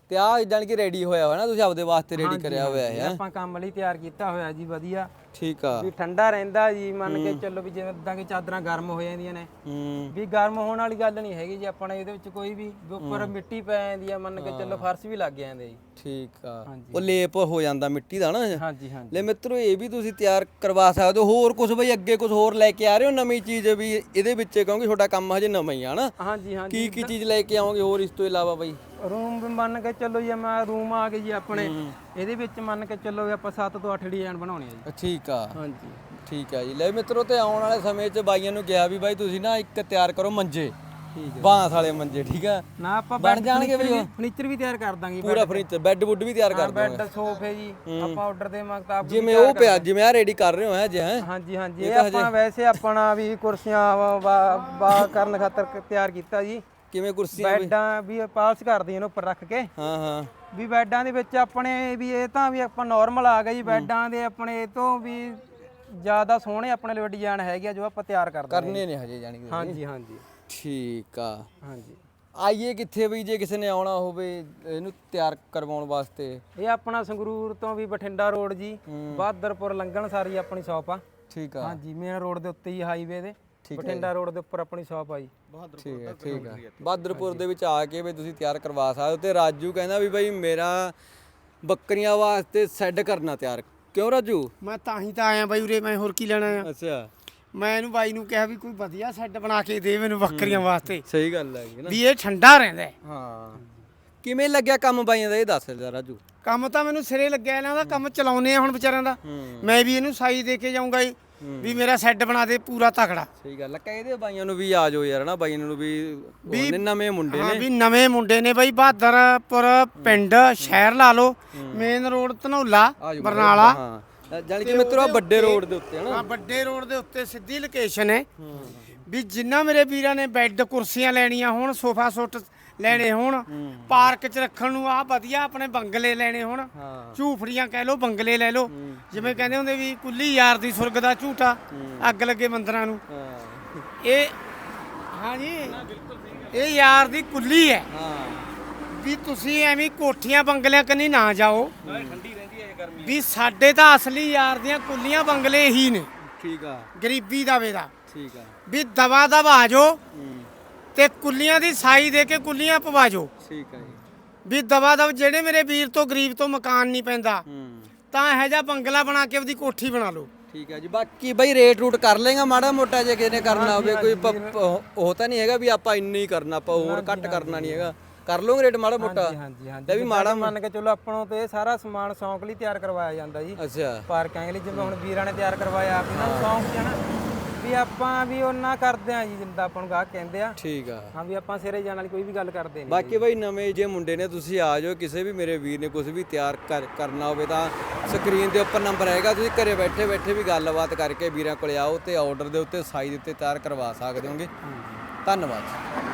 ਤੇ ਆ ਜਾਨ ਕਿ ਰੈਡੀ ਹੋਇਆ ਹੋਇਆ ਨਾ ਤੁਸੀਂ ਆਪਦੇ ਵਾਸਤੇ ਰੈਡੀ ਕਰਿਆ ਹੋਇਆ ਇਹ ਹੈ ਆਪਾਂ ਕੰਮ ਲਈ ਤਿਆਰ ਕੀਤਾ ਹੋਇਆ ਜੀ ਵਧੀਆ ਠੀਕ ਆ ਵੀ ਠੰਡਾ ਰਹਿੰਦਾ ਜੀ ਮੰਨ ਕੇ ਚੱਲੋ ਵੀ ਜਿਵੇਂ ਇਦਾਂ ਕਿ ਚਾਦਰਾਂ ਗਰਮ ਹੋ ਜਾਂਦੀਆਂ ਨੇ ਹੂੰ ਵੀ ਗਰਮ ਹੋਣ ਵਾਲੀ ਗੱਲ ਨਹੀਂ ਹੈਗੀ ਜੀ ਆਪਣਾ ਇਹਦੇ ਵਿੱਚ ਕੋਈ ਵੀ ਵੀ ਉੱਪਰ ਮਿੱਟੀ ਪੈ ਜਾਂਦੀ ਆ ਮੰਨ ਕੇ ਚੱਲੋ ਫਰਸ਼ ਵੀ ਲੱਗ ਜਾਂਦੇ ਜੀ ਠੀਕ ਆ ਹਾਂਜੀ। ਉਹ ਲੇਪ ਹੋ ਜਾਂਦਾ ਮਿੱਟੀ ਦਾ ਨਾ ਹਾਂਜੀ ਹਾਂਜੀ ਲੈ ਮਿੱਤਰੋ ਇਹ ਵੀ ਤੁਸੀਂ ਤਿਆਰ ਕਰਵਾ ਸਕਦੇ ਹੋ ਹੋਰ ਕੁਝ ਬਈ ਅੱਗੇ ਕੁਝ ਹੋਰ ਲੈ ਕੇ ਆ ਰਹੇ ਹੋ ਨਵੀਂ ਚੀਜ਼ ਵੀ ਇਹਦੇ ਵਿੱਚ ਕਿਉਂਕਿ ਤੁਹਾਡਾ ਕੰਮ ਹਜੇ ਨਵਾਂ ਹੀ ਆ ਨਾ ਹਾਂਜੀ ਹਾਂਜੀ ਕੀ ਕੀ ਚੀਜ਼ ਲੈ ਕੇ ਆਓਗੇ ਹੋਰ ਇਸ ਤੋਂ ਇਲਾਵਾ ਬਈ ਰੂਮ ਵੀ ਮੰਨ ਕੇ ਚੱਲੋ ਜੀ ਮੈਂ ਰੂਮ ਆ ਗਏ ਜੀ ਆਪਣੇ ਇਹਦੇ ਵਿੱਚ ਮੰਨ ਕੇ ਚੱਲੋ ਵੀ ਆਪਾਂ ਸੱਤ ਤੋਂ ਅੱਠ ਡਿਜ਼ਾਈਨ ਬਣਾਉਣੇ ਆ ਜੀ ਠੀਕ ਆ ਹਾਂਜੀ ਠੀਕ ਆ ਜੀ ਲੈ ਮਿੱਤਰੋ ਤੇ ਆਉਣ ਵਾਲੇ ਸਮੇਂ 'ਚ ਬਾਈਆਂ ਨੂੰ ਕਿਹਾ ਵੀ ਬਾਈ ਤੁਸੀਂ ਨਾ ਇੱਕ ਤਿਆਰ ਕਰੋ ਮੰਜੇ ਠੀਕ ਹੈ ਬਾਂਸ ਵਾਲੇ ਮੰਜੇ ਠੀਕ ਆ ਨਾ ਆਪਾਂ ਬਣ ਜਾਣਗੇ ਬਈ ਉਹ? ਫਰਨੀਚਰ ਵੀ ਤਿਆਰ ਕਰ ਦਾਂਗੇ ਪੂਰਾ ਫਰਨੀਚਰ ਬੈੱਡ ਵੁੱਡ ਵੀ ਤਿਆਰ ਕਰ ਦੋਗੇ ਬੈੱਡ ਸੋਫੇ ਜੀ ਆਪਾਂ ਆਰਡਰ ਦੇ ਮੁਤਾਬਕ ਜਿਵੇਂ ਉਹ ਪਿਆ ਜਿਵੇਂ ਆ ਰੈਡੀ ਕਰ ਰਹੇ ਹੋ ਹੈ ਜੇ ਹੈ ਹਾਂਜੀ ਹਾਂਜੀ ਇਹ ਆਪਾਂ ਵੈਸੇ ਆਪਣਾ ਵੀ ਕੁਰਸੀਆਂ ਬਾ ਕਰਨ ਖਾਤਰ ਕ- ਤਿਆਰ ਕੀਤਾ ਜੀ ਕਿਵੇਂ ਕੁਰਸੀਆਂ ਬੈੱਡਾਂ ਵੀ ਪਾਲਸ ਕਰਦੇ ਇਹਨੂੰ ਉੱਪਰ ਰੱਖ ਕੇ ਹਾਂ ਹਾਂ ਵੀ ਬੈੱਡਾਂ ਦੇ ਵਿੱਚ ਆਪਣੇ ਵੀ ਇਹ ਤਾਂ ਵੀ ਆਪਾਂ ਨਾਰਮਲ ਆ ਗਏ ਜੀ ਬੈੱਡਾਂ ਦੇ ਆਪਣੇ ਇਹ ਤੋਂ ਵੀ ਜ਼ਿਆਦਾ ਸੋਹਣੇ ਆਪਣੇ ਲਈ ਡਿਜ਼ਾਈਨ ਹੈਗੇ ਆ ਜੋ ਆਪਾਂ ਤਿਆਰ ਕਰਦੇ ਕਰਨੇ ਨੇ ਹਜੇ ਜਾਣੀ ਕਿ ਹਾਂਜੀ ਹਾਂਜੀ ਠੀਕ ਆ ਹਾਂਜੀ ਆਈਏ ਕਿੱਥੇ ਬਈ ਜੇ ਕਿਸੇ ਨੇ ਆਉਣਾ ਹੋਵੇ ਇਹਨੂੰ ਤਿਆਰ ਕਰਵਾਉਣ ਵਾਸਤੇ ਇਹ ਆਪਣਾ ਸੰਗਰੂਰ ਤੋਂ ਵੀ ਬਠਿੰਡਾ ਰੋਡ ਜੀ ਬਹਾਦਰਪੁਰ ਲੰਘਣ ਸਾਰੀ ਆਪਣੀ ਸ਼ਾਪ ਆ ਠੀਕ ਆ ਹਾਂਜੀ ਮੇਨ ਰੋਡ ਦੇ ਉੱਤੇ ਹੀ ਹਾਈਵੇ ਦੇ ਬਠਿੰਡਾ ਰੋਡ ਦੇ ਉੱਪਰ ਆਪਣੀ ਸ਼ਾਪ ਆ ਜੀ ਠੀਕ ਹੈ ਠੀਕ ਹੈ ਬਹਾਦਰਪੁਰ ਦੇ ਵਿੱਚ ਆ ਕੇ ਵੀ ਤੁਸੀਂ ਤਿਆਰ ਕਰਵਾ ਸਕਦੇ ਹੋ ਤੇ ਰਾਜੂ ਕਹਿੰਦਾ ਵੀ ਬਾਈ ਮੇਰਾ ਬੱਕਰੀਆਂ ਵਾਸਤੇ ਸੈੱਡ ਕਰਨਾ ਤਿਆਰ ਕਿਉਂ ਰਾਜੂ ਮੈਂ ਤਾਂ ਹੀ ਤਾਂ ਆਇਆ ਬਾਈ ਉਰੇ ਮੈਂ ਹੋਰ ਕੀ ਲੈਣਾ ਆ ਅੱਛਾ ਮੈਂ ਇਹਨੂੰ ਬਾਈ ਨੂੰ ਕਿਹਾ ਵੀ ਕੋਈ ਵਧੀਆ ਸੈੱਟ ਬਣਾ ਕੇ ਦੇ ਮੈਨੂੰ ਬੱਕਰੀਆਂ ਵਾਸਤੇ ਸਹੀ ਗੱਲ ਹੈ ਨਾ ਵੀ ਇਹ ਠੰਡਾ ਰਹਿੰਦਾ ਹੈ। ਹਾਂ ਕਿਵੇਂ ਲੱਗਿਆ ਕੰਮ ਬਾਈਆਂ ਦਾ ਇਹ ਦੱਸ ਦੇ ਰਾਜੂ ਕੰਮ ਤਾਂ ਮੈਨੂੰ ਸਿਰੇ ਲੱਗਿਆ ਇਹਨਾਂ ਦਾ ਕੰਮ ਚਲਾਉਨੇ ਆ ਹੁਣ ਵਿਚਾਰਿਆਂ ਦਾ ਮੈਂ ਵੀ ਇਹਨੂੰ ਸਾਈ ਦੇ ਕੇ ਜਾਊਂਗਾ ਜੀ ਵੀ ਮੇਰਾ ਸੈੱਟ ਬਣਾ ਦੇ ਪੂਰਾ ਤਕੜਾ ਸਹੀ ਗੱਲ ਹੈ ਕਹਿੰਦੇ ਬਾਈਆਂ ਨੂੰ ਵੀ ਆ ਜਾਓ ਯਾਰ ਨਾ ਬਾਈਆਂ ਨੂੰ ਵੀ ਉਹਨੇ ਨਵੇਂ ਮੁੰਡੇ ਹਾਂ ਨੇ ਵੀ ਨਵੇਂ ਮੁੰਡੇ ਨੇ ਬਾਈ ਬਹਾਦਰਪੁਰ ਪਿੰਡ ਸ਼ਹਿਰ ਲਾ ਲਓ ਮੇਨ ਰੋਡ ਧਨੌਲਾ ਬਰਨਾਲਾ ਹਾਂ ਜਾਨੀ ਕਿ ਮਿੱਤਰੋ ਆਹ ਵੱਡੇ ਰੋਡ ਦੇ ਉੱਤੇ ਹਨਾ ਹਾਂ ਵੱਡੇ ਰੋਡ ਦੇ ਉੱਤੇ ਸਿੱਧੀ ਲੋਕੇਸ਼ਨ ਹੈ ਵੀ ਜਿੰਨਾ ਮੇਰੇ ਵੀਰਾਂ ਨੇ ਬੈੱਡ ਕੁਰਸੀਆਂ ਲੈਣੀਆਂ ਹੋਣ ਸੋਫਾ ਸੈੱਟ ਲੈਣੇ ਹੋਣ ਪਾਰਕ 'ਚ ਰੱਖਣ ਨੂੰ ਆ ਵਧੀਆ ਆਪਣੇ ਬੰਗਲੇ ਲੈਣੇ ਹੋਣ ਹਾਂ ਝੂਫੜੀਆਂ ਕਹਿ ਲਓ ਬੰਗਲੇ ਲੈ ਲਓ ਜਿਵੇਂ ਕਹਿੰਦੇ ਹੁੰਦੇ ਵੀ ਕੁੱਲੀ ਯਾਰ ਦੀ ਸੁਰਗ ਦਾ ਝੂਟਾ ਅੱਗ ਲੱਗੇ ਮੰਦਰਾਂ ਨੂੰ ਹਾਂ ਇਹ ਹਾਂਜੀ ਇਹ ਯਾਰ ਦੀ ਕੁੱਲੀ ਹੈ ਹਾਂ ਵੀ ਤੁਸੀਂ ਐਵੇਂ ਕੋਠੀਆਂ ਬੰਗਲਿਆਂ ਕੰਨੀ ਨਾ ਜਾਓ ਵੀ ਸਾਡੇ ਤਾਂ ਅਸਲੀ ਯਾਰ ਦੀਆਂ ਕੁੱਲੀਆਂ ਬੰਗਲੇ ਹੀ ਨੇ ਠੀਕ ਆ ਗਰੀਬੀ ਦਾ ਵੇਦਾ ਠੀਕ ਆ ਵੀ ਦਵਾ ਦਵਾ ਆ ਜਾਓ ਤੇ ਕੁੱਲੀਆਂ ਦੀ ਸਾਈ ਦੇ ਕੇ ਕੁੱਲੀਆਂ ਪਵਾ ਜਾਓ ਠੀਕ ਆ ਜੀ ਵੀ ਦਵਾ ਦਵ ਜਿਹੜੇ ਮੇਰੇ ਵੀਰ ਤੋਂ ਗਰੀਬ ਤੋਂ ਮਕਾਨ ਨਹੀਂ ਪੈਂਦਾ ਹੂੰ ਤਾਂ ਇਹੋ ਜਿਹਾ ਬੰਗਲਾ ਬਣਾ ਕੇ ਉਹਦੀ ਕੋਠੀ ਬਣਾ ਲਓ ਠੀਕ ਹੈ ਜੀ ਬਾਕੀ ਬਈ ਰੇਟ ਰੂਟ ਕਰ ਲੇਗਾ ਮਾੜਾ ਮੋਟਾ ਜੇ ਕਿਸੇ ਨੇ ਕਰਨਾ ਹੋਵੇ ਕੋਈ ਪ- ਪ- ਉਹ ਤਾਂ ਨਹੀਂ ਹੈਗਾ ਵੀ ਆਪਾਂ ਇੰਨਾ ਹੀ ਕਰਨਾ ਆਪਾਂ ਹੋਰ ਘੱਟ ਕਰਨਾ ਨਹੀਂ ਹੈਗਾ ਕਰ ਲਓਗੇ ਰੇਟ ਮਾੜਾ ਮੋਟਾ ਹਾਂਜੀ ਹਾਂਜੀ ਲੈ ਵੀ ਮਾੜਾ ਮੰਨ ਕੇ ਚਲੋ ਆਪਣੋਂ ਤੇ ਇਹ ਸਾਰਾ ਸਮਾਨ ਸ਼ੌਂਕ ਲਈ ਤਿਆਰ ਕਰਵਾਇਆ ਜਾਂਦਾ ਜੀ ਅੱਛਾ ਪਾਰਕਾਂ ਲਈ ਜਿਵੇਂ ਹੁਣ ਵੀਰਾਂ ਨੇ ਤਿਆਰ ਕਰਵਾਇਆ ਆਪ ਇਹਨਾਂ ਨੂੰ ਸ਼ੌਂਕ ਸੀ ਨਾ ਵੀ ਆਪਾਂ ਵੀ ਉਹਨਾਂ ਕਰਦੇ ਆ ਜੀ ਜਿੰਦਾ ਆਪਾਂ ਨੂੰ ਗਾਹਕ ਕਹਿੰਦੇ ਆ ਠੀਕ ਆ ਹਾਂ ਵੀ ਆਪਾਂ ਸਿਰੇ ਜਾਣ ਵਾਲੀ ਕੋਈ ਵੀ ਗੱਲ ਕਰਦੇ ਨਹੀਂ ਬਾਕੀ ਬਈ ਨਵੇਂ ਜੇ ਮੁੰਡੇ ਨੇ ਤੁਸੀਂ ਆ ਜਾਓ ਕਿਸੇ ਵੀ ਮੇਰੇ ਵੀਰ ਨੇ ਕੁਝ ਵੀ ਤਿਆਰ ਕਰ- ਕਰਨਾ ਹੋਵੇ ਤਾਂ ਸਕਰੀਨ ਦੇ ਉੱਪਰ ਨੰਬਰ ਹੈਗਾ ਤੁਸੀਂ ਘਰੇ ਬੈਠੇ ਬੈਠੇ ਵੀ ਗੱਲਬਾਤ ਕਰਕੇ ਵੀਰਾਂ ਕੋਲੇ ਆਓ ਤੇ ਆਰਡਰ ਦੇ ਉੱਤੇ ਸਾਈਜ਼ ਦੇ ਉੱਤੇ ਤਿਆਰ ਕਰਵਾ ਸਕਦੇ ਹੋਗੇ ਧੰਨਵਾਦ